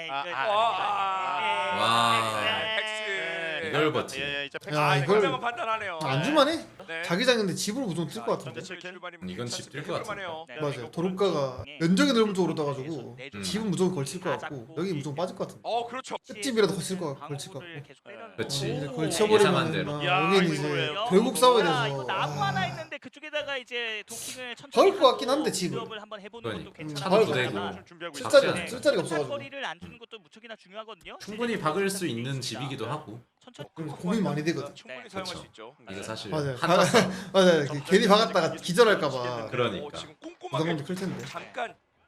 Speaker 5: 엑스.
Speaker 3: 이걸 버티.
Speaker 1: 예, 이제 팩스.
Speaker 2: 야, 이걸-
Speaker 5: 굉장한 판단하네요.
Speaker 2: 안 줄만해?
Speaker 5: 네.
Speaker 2: 자기장인데 집으로 무조건 뛸 것 같은데.
Speaker 3: 이건 집 뛸 것 같은데.
Speaker 2: 맞아요. 도로가가 면적이 넓은 쪽으로 떠가지고
Speaker 4: 음.
Speaker 2: 집은 무조건 걸칠 것 같고 여기 무조건 빠질 것 같은데.
Speaker 5: 그렇죠.
Speaker 2: 끝집이라도 걸칠 것 같고.
Speaker 3: 그치.
Speaker 2: 이제
Speaker 3: 예상한
Speaker 2: 걸쳐버리면
Speaker 3: 대로.
Speaker 1: 야,
Speaker 2: 여기는
Speaker 1: 이거
Speaker 2: 이제
Speaker 1: 뭐예요?
Speaker 2: 결국 싸워야
Speaker 4: 이거
Speaker 2: 돼서.
Speaker 4: 나무 하나
Speaker 2: 아,
Speaker 4: 있는데 그쪽에다가 이제 도킹을 천천히
Speaker 2: 것 같긴 한데,
Speaker 4: 하고
Speaker 2: 집은.
Speaker 4: 빌드업을 한번 해보는 것도
Speaker 3: 그러니까.
Speaker 4: 괜찮은
Speaker 2: 차도
Speaker 4: 것
Speaker 3: 되고.
Speaker 4: 같지만
Speaker 1: 좀 준비하고 있어요.
Speaker 3: 박스
Speaker 2: 쓸자리 쓸자리가 없어가지고.
Speaker 4: 거리를 안 주는 것도 무척이나 중요하거든요.
Speaker 3: 충분히 박을 수 있는 집이기도 하고.
Speaker 4: 천천히.
Speaker 2: 그래서 고민 많이 되거든.
Speaker 5: 충분히
Speaker 4: 네.
Speaker 5: 사용할
Speaker 3: 그쵸.
Speaker 5: 수 있죠.
Speaker 3: 이거 사실
Speaker 2: 맞아요.
Speaker 3: 한타
Speaker 2: 맞아요. 괜히 박았다가 기절할까봐
Speaker 3: 그러니까.
Speaker 5: 지금
Speaker 2: 부담감도
Speaker 5: 꼼꼼하게
Speaker 2: 클 텐데.
Speaker 5: 잠깐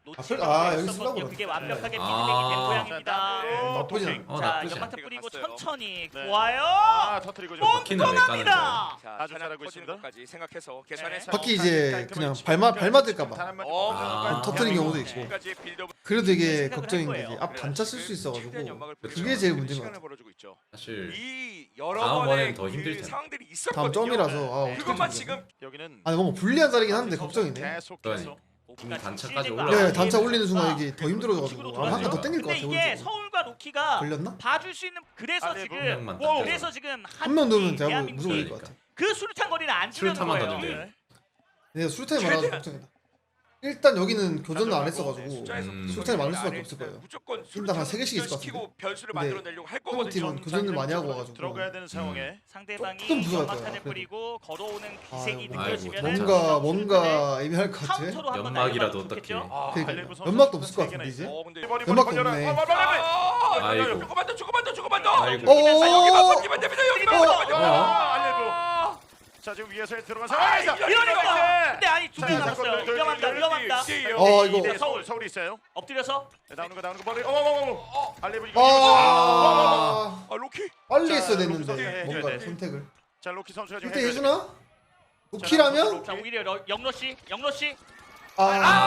Speaker 4: 놓치고
Speaker 2: 아, 여기
Speaker 4: 있었거든요.
Speaker 2: 쓰려고
Speaker 4: 그게
Speaker 2: 그러네.
Speaker 4: 완벽하게 피드백이 된
Speaker 3: 아.
Speaker 4: 모양입니다.
Speaker 2: 나쁘지 않아.
Speaker 3: 어
Speaker 4: 자,
Speaker 3: 나쁘지 않아.
Speaker 4: 연막탄 뿌리고
Speaker 5: 갔어요.
Speaker 4: 천천히
Speaker 1: 네.
Speaker 4: 좋아요.
Speaker 1: 아, 터뜨리고 좀
Speaker 3: 바퀴는 왜 까는 거야?
Speaker 4: 뻔합니다.
Speaker 5: 자,
Speaker 1: 아주
Speaker 5: 하나
Speaker 1: 잘하고
Speaker 5: 터지는
Speaker 1: 있습니다.
Speaker 5: 것까지 생각해서 계산해서
Speaker 2: 바퀴 이제 그냥 발맞을까봐 터뜨린 경우도 있고.
Speaker 5: 지금까지 빌드업
Speaker 2: 그래도 이게
Speaker 4: 생각을
Speaker 2: 걱정인
Speaker 4: 할
Speaker 2: 거지.
Speaker 4: 거예요.
Speaker 2: 앞 단차 쓸 수 있어가지고
Speaker 5: 최대한 연막을
Speaker 2: 그게
Speaker 5: 뿌리면서
Speaker 2: 제일 문제인 것
Speaker 5: 시간을
Speaker 2: 같아.
Speaker 5: 벌어주고 있죠.
Speaker 3: 사실
Speaker 5: 이 여러
Speaker 3: 다음
Speaker 5: 번의
Speaker 3: 번엔 더 힘들 텐데.
Speaker 5: 상황들이
Speaker 2: 다음
Speaker 5: 있었거든요.
Speaker 2: 점이라서 어떻게
Speaker 5: 그것만
Speaker 2: 좀
Speaker 5: 지금
Speaker 1: 여기는
Speaker 2: 아니 뭔가 불리한 자리긴 한데 걱정이네.
Speaker 1: 계속해서
Speaker 3: 이미 단차까지
Speaker 4: 네,
Speaker 2: 네, 단차 올리는 순간 이게 더 힘들어져가지고 아마 한칸 더 땡길 것
Speaker 4: 근데
Speaker 2: 같아.
Speaker 4: 이게
Speaker 2: 오른쪽으로.
Speaker 4: 서울과 로키가
Speaker 2: 걸렸나?
Speaker 4: 봐줄 수 있는 그래서
Speaker 1: 아니,
Speaker 4: 지금
Speaker 3: 명만
Speaker 1: 와우.
Speaker 3: 딱
Speaker 4: 그래서 지금
Speaker 2: 한 명 넣으면 대부분
Speaker 4: 대한민국이
Speaker 2: 무조건 이길 것 같아.
Speaker 4: 그 수류탄 거리는 안 주는
Speaker 3: 수류탄만
Speaker 4: 거예요.
Speaker 3: 던지면 돼.
Speaker 2: 내가 수류탄이 많아서 걱정이다. 일단 여기는 교전을 안 했어가지고
Speaker 5: 숫자에서
Speaker 2: 수류탄이 많을 수밖에 없을 거예요.
Speaker 5: 무조건
Speaker 2: 일단 한 3개씩 있을 것
Speaker 5: 시키고
Speaker 2: 같은데.
Speaker 5: 변수를
Speaker 2: 근데
Speaker 5: 만들어내려고 할
Speaker 2: 한국
Speaker 5: 거거든요.
Speaker 2: 팀은 교전을 많이 하고 와가지고
Speaker 1: 들어가야 되는 상황에
Speaker 4: 상대방이
Speaker 2: 조금 부족할 거야,
Speaker 4: 연막탄을
Speaker 2: 그래도.
Speaker 4: 뿌리고 걸어오는 기색이
Speaker 2: 아이고,
Speaker 4: 느껴지면
Speaker 2: 뭔가 애매할 것 같아.
Speaker 3: 연막이라도 어떻게?
Speaker 2: 그러니까 연막도 없을 것 같은데 이제.
Speaker 5: 근데
Speaker 2: 연막도 없네.
Speaker 3: 아이고.
Speaker 5: 조금만 더.
Speaker 3: 아이고.
Speaker 2: 오.
Speaker 5: 여기만 버티면 됩니다. 여기만
Speaker 2: 어.
Speaker 5: 버티면
Speaker 1: 알레브. 자 지금 위에서 들어간 상황에서
Speaker 4: 이러니까 근데 아니 두 명
Speaker 1: 자,
Speaker 4: 남았어요.
Speaker 1: 자,
Speaker 4: 위험합니다.
Speaker 2: 어, 이거.
Speaker 1: 네, 서울이 있어요.
Speaker 4: 엎드려서
Speaker 1: 네, 나오는 거 머리. 알레브 이거.
Speaker 2: 아
Speaker 5: 로키
Speaker 2: 빨리
Speaker 1: 자,
Speaker 2: 했어야
Speaker 1: 로키
Speaker 2: 됐는데
Speaker 1: 선수
Speaker 2: 뭔가
Speaker 1: 해줘야 돼.
Speaker 2: 선택을.
Speaker 1: 자 로키 선수가 지금
Speaker 2: 이때 해주나? 로키라면?
Speaker 4: 자 오히려 영러 씨
Speaker 2: 아.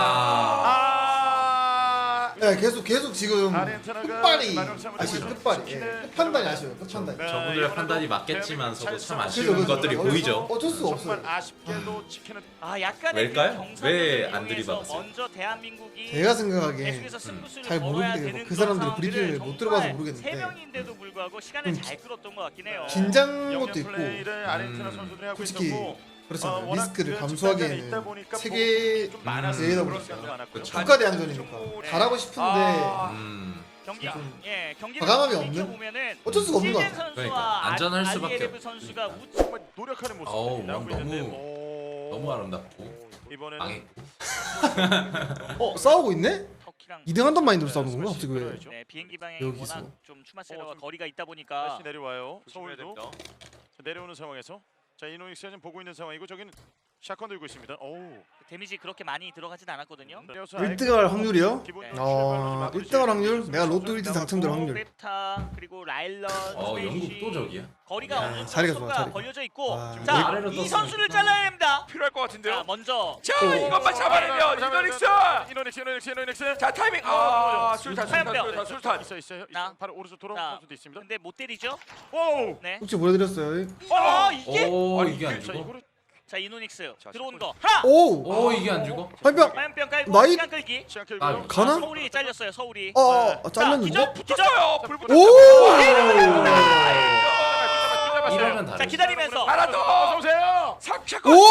Speaker 1: 아.
Speaker 2: 네, 계속 지금
Speaker 1: 아르헨티나가
Speaker 2: 끝발이
Speaker 1: 마지막
Speaker 2: 아쉬워.
Speaker 1: 삼을
Speaker 2: 끝발이.
Speaker 1: 치킨을
Speaker 2: 예. 끝판단이 아쉬워요. 끝판단.
Speaker 1: 네,
Speaker 3: 저분들의
Speaker 1: 이거는
Speaker 3: 판단이
Speaker 1: 뭐
Speaker 3: 맞겠지만서도 참
Speaker 1: 대한민국
Speaker 3: 아쉬운
Speaker 2: 그래서
Speaker 3: 것들이
Speaker 2: 어쩔
Speaker 3: 보이죠.
Speaker 2: 어쩔 수가
Speaker 1: 정말
Speaker 2: 없어요.
Speaker 1: 아쉽게도 치킨은
Speaker 4: 아 약간의
Speaker 3: 왜일까요?
Speaker 4: 그 경사를
Speaker 3: 왜 안
Speaker 4: 이용해서
Speaker 3: 들이박았어요?
Speaker 4: 먼저 대한민국이
Speaker 2: 제가 생각하기엔
Speaker 4: 계속해서 승부수를
Speaker 2: 잘
Speaker 4: 걸어야
Speaker 2: 모르겠는데
Speaker 4: 되는
Speaker 2: 그 사람들이
Speaker 4: 그런
Speaker 2: 브리핑을
Speaker 4: 상황들을
Speaker 2: 못 들어봐서
Speaker 4: 정말
Speaker 2: 모르겠는데
Speaker 4: 세 명인데도 불구하고 시간을 잘 끌었던 것 같긴 해요.
Speaker 2: 긴장한 것도
Speaker 1: 영역
Speaker 2: 있고
Speaker 1: 플레이를 아르헨티나 선수들이 하고
Speaker 2: 솔직히
Speaker 1: 있었고
Speaker 2: 그렇잖아요.
Speaker 1: 워낙
Speaker 2: 리스크를
Speaker 1: 그
Speaker 2: 감수하기에는
Speaker 1: 있다 보니까
Speaker 2: 세계
Speaker 1: 좀 많았어요.
Speaker 2: 대회다
Speaker 1: 그런
Speaker 2: 보니까
Speaker 1: 시간도 많았고요.
Speaker 3: 그쵸.
Speaker 2: 국가대항전이니까 잘하고 싶은데
Speaker 4: 경기
Speaker 2: 좀
Speaker 4: 경기를
Speaker 2: 과감함이 없는?
Speaker 4: 보면은
Speaker 2: 어쩔 수가 없는 것
Speaker 4: 시즌
Speaker 2: 같아요.
Speaker 4: 선수와
Speaker 3: 그러니까 안전할 수밖에
Speaker 4: 알리에레브
Speaker 3: 없죠.
Speaker 4: 선수가 우측
Speaker 1: 정말 노력하는
Speaker 3: 어우,
Speaker 1: 모습이 나오고 있는데
Speaker 3: 너무 아름답고
Speaker 1: 이번에는
Speaker 3: 망했고.
Speaker 2: 싸우고 있네?
Speaker 4: 터키랑
Speaker 2: 2등 한단 마인드로 싸우는 건가? 갑자기 왜?
Speaker 4: 네, 비행기 방향이
Speaker 2: 여기서.
Speaker 4: 워낙 좀 추마세라와
Speaker 1: 좀
Speaker 4: 거리가 있다 보니까
Speaker 1: 다시 내려와요.
Speaker 5: 조심해야
Speaker 1: 서울도
Speaker 5: 됩니다.
Speaker 1: 자, 내려오는 상황에서 자 이노닉스가 지금 보고 있는 상황이고 저기는 샷건 들고 있습니다. 오우.
Speaker 4: 데미지 그렇게 많이 들어가진 않았거든요.
Speaker 2: 1등 할 확률이요?
Speaker 1: 기본
Speaker 4: 네.
Speaker 2: 1등 할 확률? 내가 로또 1등 당첨될 확률.
Speaker 4: 베타 그리고 라일런
Speaker 3: 영국 또 저기야?
Speaker 4: 거리가
Speaker 2: 야,
Speaker 4: 어느 정도
Speaker 2: 자리가 좋아,
Speaker 4: 서로가
Speaker 2: 자리가.
Speaker 4: 벌려져 있고
Speaker 2: 아,
Speaker 4: 자
Speaker 3: 아래로
Speaker 4: 이
Speaker 3: 떴으면
Speaker 4: 선수를 잘라야 됩니다.
Speaker 5: 필요할 것
Speaker 4: 자
Speaker 5: 같은데요.
Speaker 4: 먼저
Speaker 5: 자 이것만 잡아내면 이노닉스 자 타이밍 술탄
Speaker 1: 있어요.
Speaker 4: 나.
Speaker 1: 바로 오른쪽 돌아온
Speaker 4: 자.
Speaker 1: 선수도 있습니다.
Speaker 4: 근데 못 때리죠?
Speaker 1: 오.
Speaker 4: 네.
Speaker 2: 혹시 보여드렸어요?
Speaker 4: 이게
Speaker 3: 오
Speaker 5: 아니,
Speaker 3: 이게 안
Speaker 1: 자
Speaker 3: 죽어?
Speaker 1: 이거를
Speaker 4: 자 이노닉스
Speaker 5: 자,
Speaker 4: 들어오는
Speaker 5: 자,
Speaker 4: 거 하나
Speaker 2: 오!
Speaker 3: 오 이게 안 죽어?
Speaker 2: 화염병!
Speaker 4: 화염병 깔고
Speaker 2: 나이-
Speaker 4: 시간 끌기.
Speaker 1: 시간
Speaker 3: 아,
Speaker 1: 끌고요.
Speaker 2: 가나?
Speaker 4: 서울이 잘렸어요 서울이.
Speaker 2: 잘렸는데?
Speaker 4: 기절
Speaker 5: 붙었어요. 불 붙었어요.
Speaker 2: 오!
Speaker 3: 이러면
Speaker 4: 자
Speaker 3: 다르지.
Speaker 4: 기다리면서
Speaker 5: 하나 더.
Speaker 1: 어서 오세요.
Speaker 5: 삭제권.
Speaker 2: 오!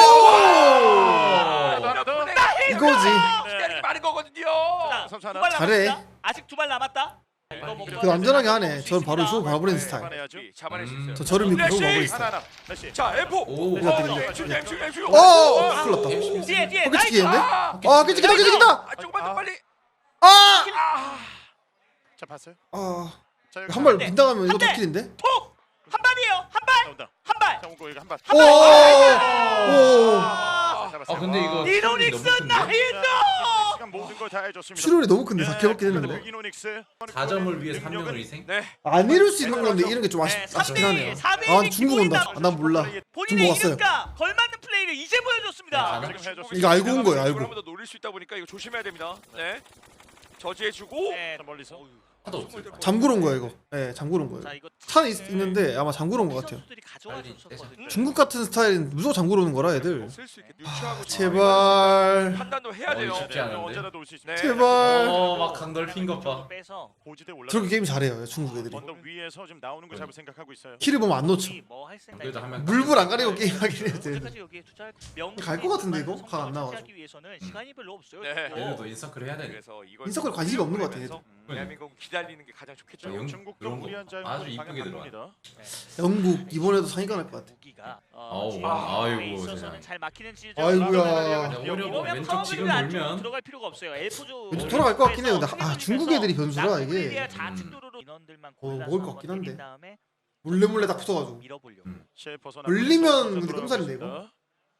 Speaker 1: 하나 더.
Speaker 2: 이거지.
Speaker 5: 기다리기 많은 거거든요.
Speaker 4: 자,
Speaker 1: 선수 하나.
Speaker 4: 두발
Speaker 2: 잘해.
Speaker 4: 남았다. 아직 두 발 남았다. 이거 먹고
Speaker 2: 그 안전하게 하네.
Speaker 4: 먹을 수
Speaker 2: 저는 바로
Speaker 4: 있습니다.
Speaker 2: 쇼 가버리는 스타일.
Speaker 1: 잡아내야죠.
Speaker 5: 잡아낼 수 있어요.
Speaker 2: 저 저를 믿고 쇼 가버리는 스타일.
Speaker 1: 하나. 다시.
Speaker 5: 자 M4.
Speaker 3: 오.
Speaker 5: M4.
Speaker 2: 오! 큰일 났다.
Speaker 4: 뒤에 뒤에
Speaker 2: 포켓
Speaker 4: 나이스.
Speaker 2: 치기인데?
Speaker 5: 아,
Speaker 2: 아, 깨지겠다!
Speaker 5: 조금만 더 빨리.
Speaker 2: 아!
Speaker 1: 자 봤어요?
Speaker 2: 아,
Speaker 1: 자 여기
Speaker 2: 한 발
Speaker 4: 대.
Speaker 2: 빗나가면 이거
Speaker 4: 한 대.
Speaker 2: 도킬인데?
Speaker 4: 한 발이에요. 한 발.
Speaker 1: 나온다.
Speaker 4: 한 발.
Speaker 1: 자 오고 이거 한 발.
Speaker 2: 오! 오!
Speaker 3: 아 근데 이거
Speaker 4: 이노닉스
Speaker 3: 너무 큰데?
Speaker 4: 나이스.
Speaker 1: 시간 모든 걸 다 해줬습니다.
Speaker 2: 출혈이 너무 큰데 4킬밖에 했는데?
Speaker 1: 이노닉스
Speaker 3: 4점을 위해 3명을 희생?
Speaker 5: 네.
Speaker 2: 안 이룰 수 있는 건데 이런 게 좀
Speaker 4: 네,
Speaker 2: 아쉽긴 하네요.
Speaker 4: 4대1
Speaker 2: 아, 중국 온다. 아, 난 몰라.
Speaker 4: 본인의
Speaker 2: 중국 왔어요.
Speaker 4: 이름과 걸맞는 플레이를 이제 보여줬습니다.
Speaker 3: 네,
Speaker 1: 지금 해줬습니다.
Speaker 2: 이거 알고 온 거예요, 알고.
Speaker 5: 한번 더 노릴 수 있다 보니까 이거 조심해야 됩니다. 네. 저지해주고.
Speaker 4: 네.
Speaker 1: 자, 멀리서.
Speaker 3: 하도 없어.
Speaker 2: 잠그러 온 거야, 이거. 예, 잠그러 온
Speaker 4: 자
Speaker 2: 거예요.
Speaker 4: 이거
Speaker 2: 차는 있는데 아마 잠그러 온 것 같아요.
Speaker 4: 선수들이 가져와
Speaker 3: 빨리
Speaker 4: 줬었거든요.
Speaker 2: 중국 같은 스타일은 무조건 잠그러 오는 거라, 애들.
Speaker 5: 쓸수 있게 유추하고
Speaker 2: 제발.
Speaker 5: 판단도 해야 돼요.
Speaker 3: 쉽지 않은데?
Speaker 1: 언제라도 올 수 있습니다.
Speaker 5: 네.
Speaker 2: 제발.
Speaker 3: 어막 강돌핀 것 봐.
Speaker 4: 빼서
Speaker 1: 고지대 올라.
Speaker 2: 저렇게 게임 잘해요, 중국 애들이.
Speaker 1: 언덕 위에서 지금 나오는 걸 잡을 생각하고 있어요.
Speaker 2: 키를 보면 안 놓쳐.
Speaker 4: 뭐할 생각?
Speaker 3: 그래도 한명
Speaker 2: 물불 안 가리고 게임하긴 해야 돼.
Speaker 4: 언제까지 여기에 투자할
Speaker 2: 갈것 같은데, 이거? 각 안 나와서.
Speaker 4: 하기 위해서는 시간이 별로 없어요.
Speaker 5: 네.
Speaker 4: 또.
Speaker 3: 얘네도 인서클 해야 돼.
Speaker 5: 그래서 이걸
Speaker 2: 인서클 관심이 없는 것 같아, 얘들.
Speaker 5: 대한민국 기다리는 게 가장 좋겠죠.
Speaker 3: 영-
Speaker 1: 중국도
Speaker 3: 그런 거
Speaker 1: 무리한 자유
Speaker 3: 아주 이쁘게 들어가.
Speaker 2: 영국 이번에도 상위가 날 것 같아.
Speaker 4: 무기가
Speaker 3: 아우,
Speaker 4: 지금
Speaker 3: 아이고,
Speaker 4: 있어서는
Speaker 3: 세상에.
Speaker 4: 잘 막히는 지점.
Speaker 2: 아이고야.
Speaker 3: 오히려 왼쪽 지금
Speaker 4: 파워블을
Speaker 3: 돌면
Speaker 4: 들어갈 필요가 없어요. 엘포조
Speaker 2: 왼쪽 돌아갈 것 같긴 해요. 근데 아, 중국 애들이 변수라 이게
Speaker 4: 좌측 도로로 인원들만
Speaker 2: 먹을
Speaker 4: 골라서
Speaker 2: 것 같긴
Speaker 4: 한번 때린
Speaker 2: 한데.
Speaker 4: 다음에
Speaker 2: 몰래 딱 붙어가지고.
Speaker 4: 밀어보려고.
Speaker 3: 음.
Speaker 1: 실 벗어나.
Speaker 2: 걸리면 근데 끔살인데, 이거?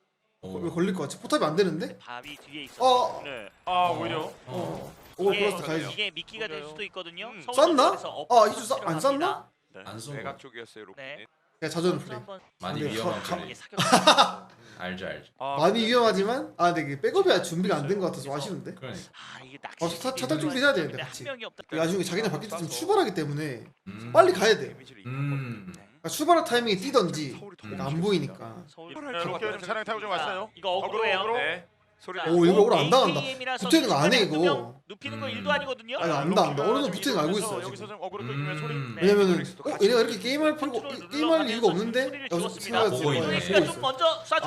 Speaker 2: 왜 걸릴 것 같지? 포탑이 안 되는데?
Speaker 4: 바위 뒤에 있어.
Speaker 2: 어.
Speaker 1: 네. 아 오히려.
Speaker 2: 오글
Speaker 4: 이게,
Speaker 2: 플러스 가야지.
Speaker 4: 이게 미끼가 될 수도 있거든요.
Speaker 1: 음.
Speaker 2: 쐈나?
Speaker 4: 서울
Speaker 2: 아, 이주 안
Speaker 4: 필요합니다.
Speaker 2: 쐈나?
Speaker 3: 안 쏘고
Speaker 5: 외곽 쪽이었어요. 로켓.
Speaker 4: 네.
Speaker 2: 그냥 자전
Speaker 4: 선수
Speaker 2: 플레이.
Speaker 4: 한번
Speaker 3: 많이
Speaker 2: 근데
Speaker 3: 위험한
Speaker 2: 가-
Speaker 3: 플레이.
Speaker 4: 이게 사격.
Speaker 3: 알죠.
Speaker 2: 많이 위험하지만 아 근데 이게 백업이 준비가 안 된 것 같아서 좀 아쉬운데.
Speaker 3: 그러니까.
Speaker 4: 아 이게 낚시.
Speaker 2: 차탈 준비해야 되는데
Speaker 4: 한
Speaker 2: 같이.
Speaker 4: 명이 없다.
Speaker 2: 나중에 자기네 바뀔 때좀 출발하기 때문에
Speaker 3: 음.
Speaker 2: 빨리 가야 돼.
Speaker 3: 음.
Speaker 2: 그러니까 출발할 타이밍에 뛰던지 그러니까 안 보이니까.
Speaker 4: 서울.
Speaker 1: 로켓 좀 차량 타고 좀 왔어요.
Speaker 4: 이거 어그로예요.
Speaker 1: 어그로.
Speaker 5: 네. 소리.
Speaker 4: 자,
Speaker 2: 오, 이거 오늘 안 당한다.
Speaker 4: AKM이라서
Speaker 2: 붙어있는 거 안 해, 이거.
Speaker 4: 두 명 눕히는 거 일도 아니거든요.
Speaker 2: 아니, 안다. 어느 정도 붙은 거 알고 있어요,
Speaker 1: 여기서
Speaker 2: 지금.
Speaker 1: 좀 어그로 끌면 소리.
Speaker 3: 음.
Speaker 2: 왜냐면은
Speaker 5: 같이
Speaker 2: 얘네가 이렇게 게임할 필요가 게임할 이유가 없는데 여기서 생각할 수
Speaker 3: 보고
Speaker 2: 있는
Speaker 3: 있네.
Speaker 2: 거야.
Speaker 4: 그러니까 좀 먼저 쏴줬거든요.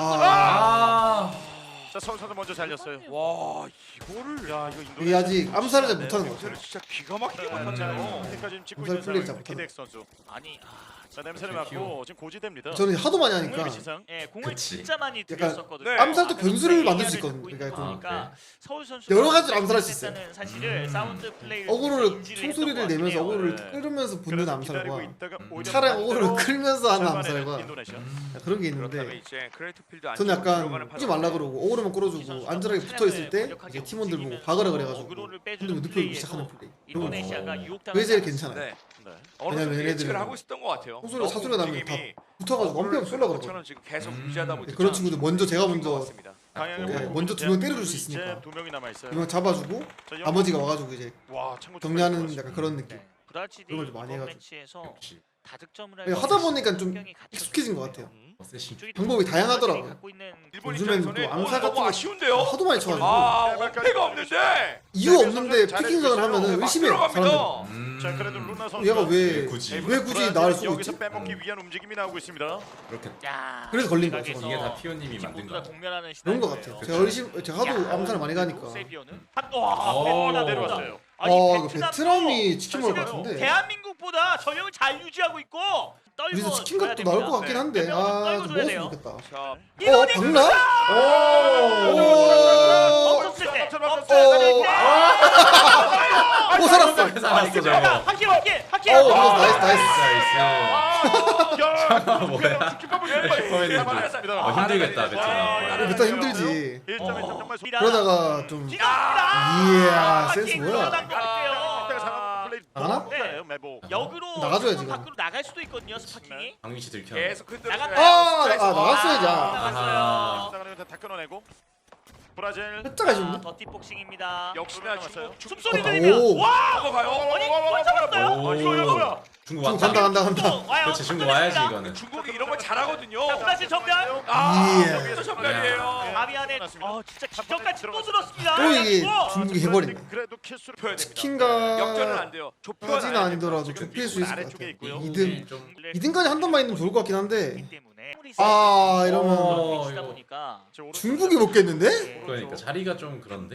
Speaker 3: 아.
Speaker 1: 자 선수 먼저 잘렸어요.
Speaker 5: 와 이거를.
Speaker 1: 야 이거 인도.
Speaker 2: 이게 아직 암살을 잘 못하는 것 같아.
Speaker 5: 요새는 진짜 기가 막히게
Speaker 1: 자
Speaker 5: 못하네요.
Speaker 1: 여기까지 지금 찍고
Speaker 2: 암살
Speaker 1: 있는
Speaker 2: 플레이
Speaker 1: 상황.
Speaker 2: 잘
Speaker 1: 기덱 선수.
Speaker 4: 아니
Speaker 1: 자 냄새를 맡고 지금 고지됩니다.
Speaker 2: 저는 하도 많이 하니까
Speaker 1: 공을 시상.
Speaker 4: 예, 공을
Speaker 3: 그치.
Speaker 4: 진짜 많이
Speaker 2: 약간
Speaker 4: 들였었거든요.
Speaker 5: 네.
Speaker 2: 암살도
Speaker 4: 아,
Speaker 2: 변수를
Speaker 4: 근데
Speaker 2: 만들 수
Speaker 4: AR 를
Speaker 2: 있거든요.
Speaker 4: 갖고 있는
Speaker 2: 그러니까
Speaker 3: 좀-
Speaker 4: 거니까 서울 선수
Speaker 2: 여러 가지로 암살할 수 있어요.
Speaker 4: 사실을 사운드 플레이를
Speaker 2: 어그로를
Speaker 4: 인지를 했던
Speaker 2: 총소리를
Speaker 4: 것
Speaker 2: 내면서
Speaker 4: 같긴 해요.
Speaker 2: 어그로를
Speaker 1: 네.
Speaker 2: 끌으면서 붙는
Speaker 1: 그래서
Speaker 2: 암살과
Speaker 1: 기다리고 있다가 오히려
Speaker 2: 차라리
Speaker 1: 반대로
Speaker 2: 어그로를 끌면서 하는
Speaker 1: 절반에는
Speaker 2: 암살과
Speaker 1: 인도네시아.
Speaker 2: 그런 게
Speaker 5: 그렇다면
Speaker 2: 있는데
Speaker 5: 이제 크레이트 필드
Speaker 2: 저는 약간 하지 말라 그러고 어그로만 끌어주고 안전하게 붙어 있을 때 이제 팀원들 보고 박으라 그래가지고
Speaker 4: 어그로를
Speaker 2: 근데
Speaker 4: 빼주는
Speaker 2: 눕히고
Speaker 4: 플레이에서
Speaker 2: 시작하는 플레이. 그런 거
Speaker 4: 인도네시아가 유혹당하지
Speaker 2: 그게 제일
Speaker 4: 않았어요.
Speaker 2: 괜찮아요.
Speaker 5: 네.
Speaker 1: 네.
Speaker 5: 어느 정도
Speaker 2: 왜냐면
Speaker 5: 예측을
Speaker 2: 얘네들은
Speaker 5: 하고 있었던 것 같아요.
Speaker 2: 총소리가 사소리가 나면 다
Speaker 5: 움직임이
Speaker 2: 붙어가지고 엄청 쏠라 그러거든.
Speaker 5: 저는 지금 계속 유지하다 보니까
Speaker 2: 그런 친구들 먼저 제가 먼저
Speaker 5: 같습니다.
Speaker 1: 방향을
Speaker 2: 네,
Speaker 1: 보고
Speaker 2: 먼저
Speaker 1: 이제
Speaker 2: 두 명 때려줄 수
Speaker 1: 이제
Speaker 2: 있으니까.
Speaker 1: 두 명이 남아 있어요.
Speaker 2: 이거 잡아주고
Speaker 1: 자,
Speaker 2: 나머지가 와가지고 이제
Speaker 1: 와 참고
Speaker 2: 정리하는 약간 그런 느낌.
Speaker 4: 네. 브라질이
Speaker 2: 그런 걸좀 많이
Speaker 4: 이번
Speaker 2: 해가지고.
Speaker 4: 매치에서
Speaker 3: 역시.
Speaker 4: 다득점을
Speaker 2: 네, 하다 보니까 좀 익숙해진 것 같아요.
Speaker 3: 어쌔신.
Speaker 2: 방법이 다양하더라고요.
Speaker 5: 일본
Speaker 2: 요즘엔
Speaker 5: 입장에서는
Speaker 2: 또 암살 같은
Speaker 5: 너무
Speaker 2: 거
Speaker 5: 아쉬운데요.
Speaker 2: 하도 많이 쳐가지고
Speaker 5: 아 어폐가 없는데.
Speaker 2: 이유 없는데 피킹전을 하면은 의심해요 사람들.
Speaker 5: 들어갑니다.
Speaker 1: 자 그래도 루나 선수
Speaker 2: 얘가 왜
Speaker 3: 굳이
Speaker 2: 굳이 나를 쏘고
Speaker 1: 여기서
Speaker 2: 있지?
Speaker 1: 빼먹기 위한 움직임이 나오고 있습니다.
Speaker 3: 그렇게
Speaker 4: 야,
Speaker 2: 그래서 걸린 거죠,
Speaker 4: 각에서
Speaker 3: 이게 다 피오님이
Speaker 4: 지금
Speaker 3: 만든
Speaker 4: 모두 다
Speaker 3: 거야.
Speaker 4: 공멸하는
Speaker 2: 그런 것
Speaker 4: 시나리오예요.
Speaker 2: 같아요. 제가 의심 제가 하도 암살을 많이 가니까.
Speaker 4: 세비오는 와,
Speaker 3: 오.
Speaker 4: 베트남
Speaker 1: 내려왔어요.
Speaker 4: 아니,
Speaker 2: 이거
Speaker 4: 베트남도
Speaker 2: 베트남이 치킨 먹을 것
Speaker 4: 사실은
Speaker 2: 같은데.
Speaker 4: 대한민국보다 전력을 잘 유지하고 있고 떨고
Speaker 2: 여기서 치킨
Speaker 4: 줘야
Speaker 2: 값도
Speaker 4: 됩니다.
Speaker 2: 나올 것 같긴 한데
Speaker 4: 몇 명은
Speaker 2: 아
Speaker 4: 떨고
Speaker 2: 좀
Speaker 4: 줘야
Speaker 2: 먹었으면
Speaker 4: 돼요.
Speaker 2: 좋겠다.
Speaker 5: 자
Speaker 2: 박나?
Speaker 4: 없었을 때
Speaker 1: 오.
Speaker 4: 없었을 때
Speaker 2: 오 살았어.
Speaker 3: 살았어 저거.
Speaker 4: 확킬 확킬
Speaker 2: 오 나이스 나이스.
Speaker 3: 나이스.
Speaker 1: 뭐야?
Speaker 3: 힘들겠다 베트남.
Speaker 2: 베트남 힘들지.
Speaker 1: 1점 정말
Speaker 2: 그러다가 좀 이야 센스 뭐야? 나가나?
Speaker 4: 네.
Speaker 1: 매복.
Speaker 4: 역으로
Speaker 2: 나가줘야지,
Speaker 4: 팀
Speaker 2: 그럼.
Speaker 4: 밖으로 나갈 수도 있거든요 스파킹이.
Speaker 3: 강민 씨 들켜.
Speaker 5: 계속 흔들어.
Speaker 4: 나갔나요?
Speaker 2: 나갔어야지.
Speaker 3: 아하.
Speaker 1: 다 끊어내고 브라질.
Speaker 2: 살짝 아쉬운데?
Speaker 4: 더티 복싱입니다.
Speaker 5: 역시나 중국
Speaker 4: 숨소리
Speaker 2: 오.
Speaker 4: 들리면 와!
Speaker 5: 넘어가요.
Speaker 4: 아니 못 잡았어요?
Speaker 3: 오.
Speaker 1: 이거 뭐야?
Speaker 3: 중국
Speaker 2: 좀
Speaker 3: 왔다.
Speaker 2: 간다.
Speaker 4: 와요.
Speaker 3: 그렇지 중국 와야지 이거는.
Speaker 5: 중국이 이런 걸 잘하거든요.
Speaker 4: 자, 브라질 전멸.
Speaker 5: 아
Speaker 2: 예.
Speaker 5: 여기서 전멸이에요.
Speaker 4: 바위 안에 진짜 기적같이 또 들었습니다.
Speaker 2: 또 이게
Speaker 4: 그리고
Speaker 2: 중국이 해버리네.
Speaker 1: 그래도 킬수를
Speaker 5: 펴야 됩니다.
Speaker 2: 치킨가
Speaker 5: 역전은 안 돼요. 좁혀야
Speaker 2: 까지는 아니더라도 좁힐 수 있을 것
Speaker 1: 아래쪽에
Speaker 2: 같아.
Speaker 1: 있고요.
Speaker 2: 2등
Speaker 3: 좀
Speaker 2: 2등까지 한 단만 있으면 좋을 것 같긴 한데
Speaker 4: 때문에
Speaker 2: 아 이러면
Speaker 4: 이다 보니까
Speaker 2: 중국이 먹겠는데?
Speaker 3: 그러니까 자리가 좀 그런데.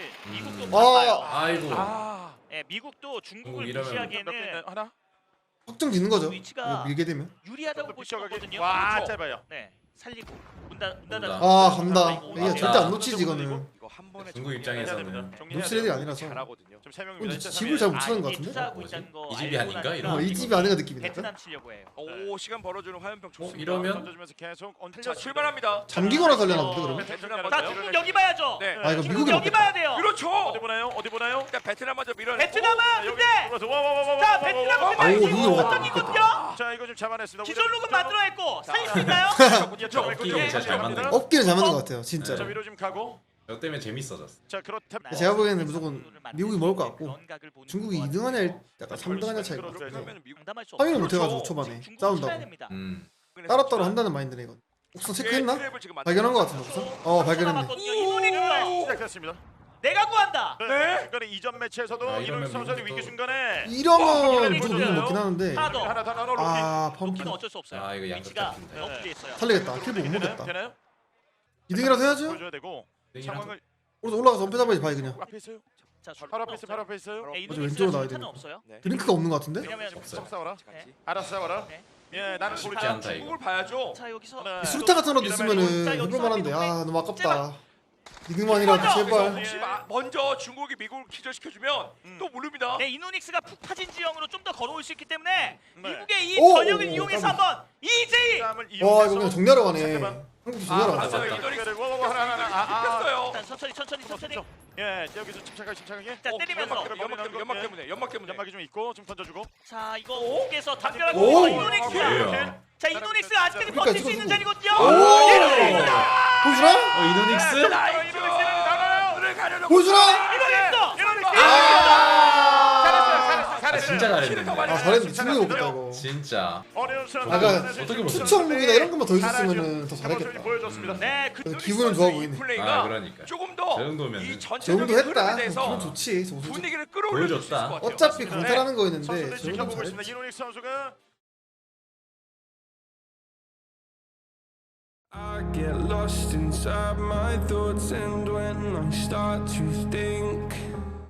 Speaker 4: 미국도
Speaker 2: 아.
Speaker 4: 바빠요.
Speaker 3: 아이고.
Speaker 5: 아
Speaker 4: 예, 미국도 중국을
Speaker 3: 중국 이러면
Speaker 4: 무시하기에는
Speaker 1: 하나.
Speaker 2: 확정짓는 거죠.
Speaker 4: 위치가
Speaker 2: 이거 밀게 되면.
Speaker 4: 유리하다고 볼 수 없거든요.
Speaker 1: 와
Speaker 4: 그렇죠?
Speaker 1: 짧아요.
Speaker 4: 네, 살리고 문 닫아.
Speaker 2: 아 간다.
Speaker 4: 이거
Speaker 2: 이게 절대 안 놓치지 이거는.
Speaker 5: 이거 한 번에
Speaker 3: 중국 입장에서는
Speaker 2: 놓칠 애들이 아니라서.
Speaker 5: 잘하거든요.
Speaker 1: 지금 세 명입니다.
Speaker 2: 근데
Speaker 1: 일단
Speaker 2: 집을 잘 못 찾는 것
Speaker 4: 이게
Speaker 2: 같은데?
Speaker 4: 투자하고
Speaker 3: 뭐지?
Speaker 4: 있다는 거
Speaker 3: 이 집이
Speaker 4: 알고
Speaker 3: 아닌가?
Speaker 4: 나니까
Speaker 3: 이런
Speaker 2: 이 집이 아닌가 느낌이 날까?
Speaker 4: 베트남 치려고 해요.
Speaker 5: 오 시간 벌어주는 화염병 좋습니다.
Speaker 3: 이러면
Speaker 1: 던져주면서 계속
Speaker 5: 자 출발합니다.
Speaker 2: 잠기거나 살려나 본데 그러면?
Speaker 4: 자, 중국 여기 봐야죠.
Speaker 5: 네.
Speaker 2: 아 이거
Speaker 4: 중국
Speaker 2: 미국이
Speaker 4: 여기
Speaker 2: 먹겠다.
Speaker 4: 봐야 돼요.
Speaker 5: 그렇죠.
Speaker 1: 어디 보나요? 어디 보나요?
Speaker 5: 일단 베트남 먼저 밀어내.
Speaker 4: 베트남은 근데
Speaker 1: 와와와와.
Speaker 4: 자, 베트남은
Speaker 2: 오,
Speaker 4: 근데
Speaker 2: 미국이
Speaker 4: 지금
Speaker 2: 먹었다.
Speaker 4: 어떻게거든요?
Speaker 1: 자 이거 좀 잡아냈습니다.
Speaker 4: 기존룩은 만들어냈고 살릴 수 있나요?
Speaker 3: 업기를 진짜 잘 만든 거.
Speaker 2: 업기를 잘 만든 것 같아요 진짜.
Speaker 1: 자 위로 좀 가고.
Speaker 3: 저 때문에 재밌어졌어.
Speaker 1: 자 그렇다면
Speaker 2: 제가 보기에는 무조건 미국이 먹을 것 같고
Speaker 4: 그런 각을 보는
Speaker 2: 중국이
Speaker 4: 것
Speaker 2: 2등 하냐
Speaker 4: 같아요.
Speaker 2: 약간 3등 하냐 차이가.
Speaker 5: 그러면 미국
Speaker 4: 장담할 수
Speaker 2: 확인을
Speaker 4: 없어요.
Speaker 2: 못 해가지고 초반에
Speaker 4: 지금 중국은 쳐야
Speaker 2: 싸운다고.
Speaker 4: 됩니다.
Speaker 2: 따로따로 한다는 마인드네 이건. 옥상 체크했나?
Speaker 5: 트랩을 지금
Speaker 2: 발견한 것 같은데 옥상? 발견했네.
Speaker 4: 남았거든요. 이노닉스
Speaker 1: 시작했습니다.
Speaker 4: 내가 구한다.
Speaker 5: 네.
Speaker 1: 중간에 이전 매치에서도
Speaker 3: 아,
Speaker 1: 이노익
Speaker 3: 이러면
Speaker 1: 선수의
Speaker 3: 미국도-
Speaker 1: 위기 순간에
Speaker 2: 이러면 무조건 미국 먹긴 하는데
Speaker 4: 하나 더.
Speaker 1: 하나 더 로키.
Speaker 2: 아
Speaker 4: 로키는
Speaker 2: 펌프
Speaker 4: 어쩔 수 없어요.
Speaker 3: 아, 이거 양쪽
Speaker 4: 위치가
Speaker 3: 잡힌다.
Speaker 4: 엎드려 있어요.
Speaker 2: 살리겠다. 킬보 못 먹겠다.
Speaker 1: 되나요?
Speaker 2: 2등이라도 해야죠.
Speaker 1: 보여줘야 되고 상황을
Speaker 2: 오른쪽 올라가서 엄폐 잡아야지 바이 그냥.
Speaker 1: 앞에 있어요.
Speaker 4: 자,
Speaker 1: 바로 앞에 있어요. 바로 앞에 있어요.
Speaker 4: 네,
Speaker 2: 맞아,
Speaker 4: 이노닉스가
Speaker 2: 왼쪽으로 나와야
Speaker 4: 실탄은
Speaker 2: 되니까.
Speaker 4: 없어요.
Speaker 5: 네.
Speaker 2: 드링크가 없는 것 같은데?
Speaker 4: 왜냐면
Speaker 1: 좀 싸워라.
Speaker 4: 네.
Speaker 1: 알았어 싸워라.
Speaker 4: 네.
Speaker 1: 예 나는
Speaker 3: 쉽지
Speaker 1: 고르지
Speaker 3: 않다 이거.
Speaker 5: 중국을 봐야죠.
Speaker 4: 자, 여기서
Speaker 1: 하나,
Speaker 2: 수류탄 같은 거라도
Speaker 4: 자,
Speaker 2: 있으면은
Speaker 4: 여기서
Speaker 2: 해볼만한데 아
Speaker 4: 하기도
Speaker 2: 너무 아깝다. 2등만이라도 제발.
Speaker 5: 혹시 먼저 중국이 미국을 기절시켜주면 또 모릅니다.
Speaker 4: 네, 이노닉스가 푹 파진 지형으로 좀 더 걸어올 수 있기 때문에
Speaker 1: 네.
Speaker 4: 미국의 이
Speaker 2: 오,
Speaker 4: 전력을
Speaker 2: 오,
Speaker 4: 이용해서
Speaker 2: 깜짝이야.
Speaker 4: 한번 EJ
Speaker 1: 싸움을
Speaker 2: 와 이거 그냥 정리하러 가네.
Speaker 1: 상대방
Speaker 2: 한국 수비하러
Speaker 5: 아,
Speaker 2: 왔다.
Speaker 5: 맞아요. 이노닉스
Speaker 1: 그리고 하나.
Speaker 4: 일단 천천히.
Speaker 1: 예, 여기서 침착하게.
Speaker 4: 자, 때리면서.
Speaker 5: 연막 때문에.
Speaker 1: 연막이 좀 있고 좀 던져주고.
Speaker 4: 자 이거 밖에서 담벼락
Speaker 2: 오!
Speaker 4: 이노닉스.
Speaker 3: 뭐예요?
Speaker 4: 자 이노닉스 아직까지
Speaker 2: 그러니까
Speaker 4: 버틸 수
Speaker 2: 이거
Speaker 4: 있는
Speaker 2: 누구?
Speaker 4: 자리거든요.
Speaker 2: 보여주라?
Speaker 3: 이노닉스?
Speaker 2: 보여주라?
Speaker 3: 진짜 잘했는데.
Speaker 2: 아 잘했는데 충분히 못했다 이거.
Speaker 3: 진짜.
Speaker 1: 어려운 순간.
Speaker 2: 아까
Speaker 3: 어떻게 못
Speaker 2: 투척목이나 이런 것만 더 있었으면은 더 잘했겠다.
Speaker 1: 보여줬습니다.
Speaker 4: 네,
Speaker 2: 그래서 기분은 좋아 보이네.
Speaker 3: 아 그러니까.
Speaker 5: 조금 더
Speaker 3: 저 정도면은.
Speaker 5: 이
Speaker 2: 저 정도
Speaker 5: 전체적인
Speaker 2: 했다.
Speaker 5: 흐름에
Speaker 2: 기분
Speaker 5: 대해서
Speaker 2: 좋지. 저 솔직히.
Speaker 5: 분위기를 끌어올릴 수 있을
Speaker 3: 보여줬다.
Speaker 5: 것 같아요.
Speaker 2: 어차피 강탈하는 거였는데
Speaker 1: 선수들
Speaker 2: 저 정도
Speaker 1: 지켜보고 있습니다.
Speaker 2: 잘했지.
Speaker 1: 이노닉스 선수가
Speaker 8: I get lost inside my thoughts, and when I start to think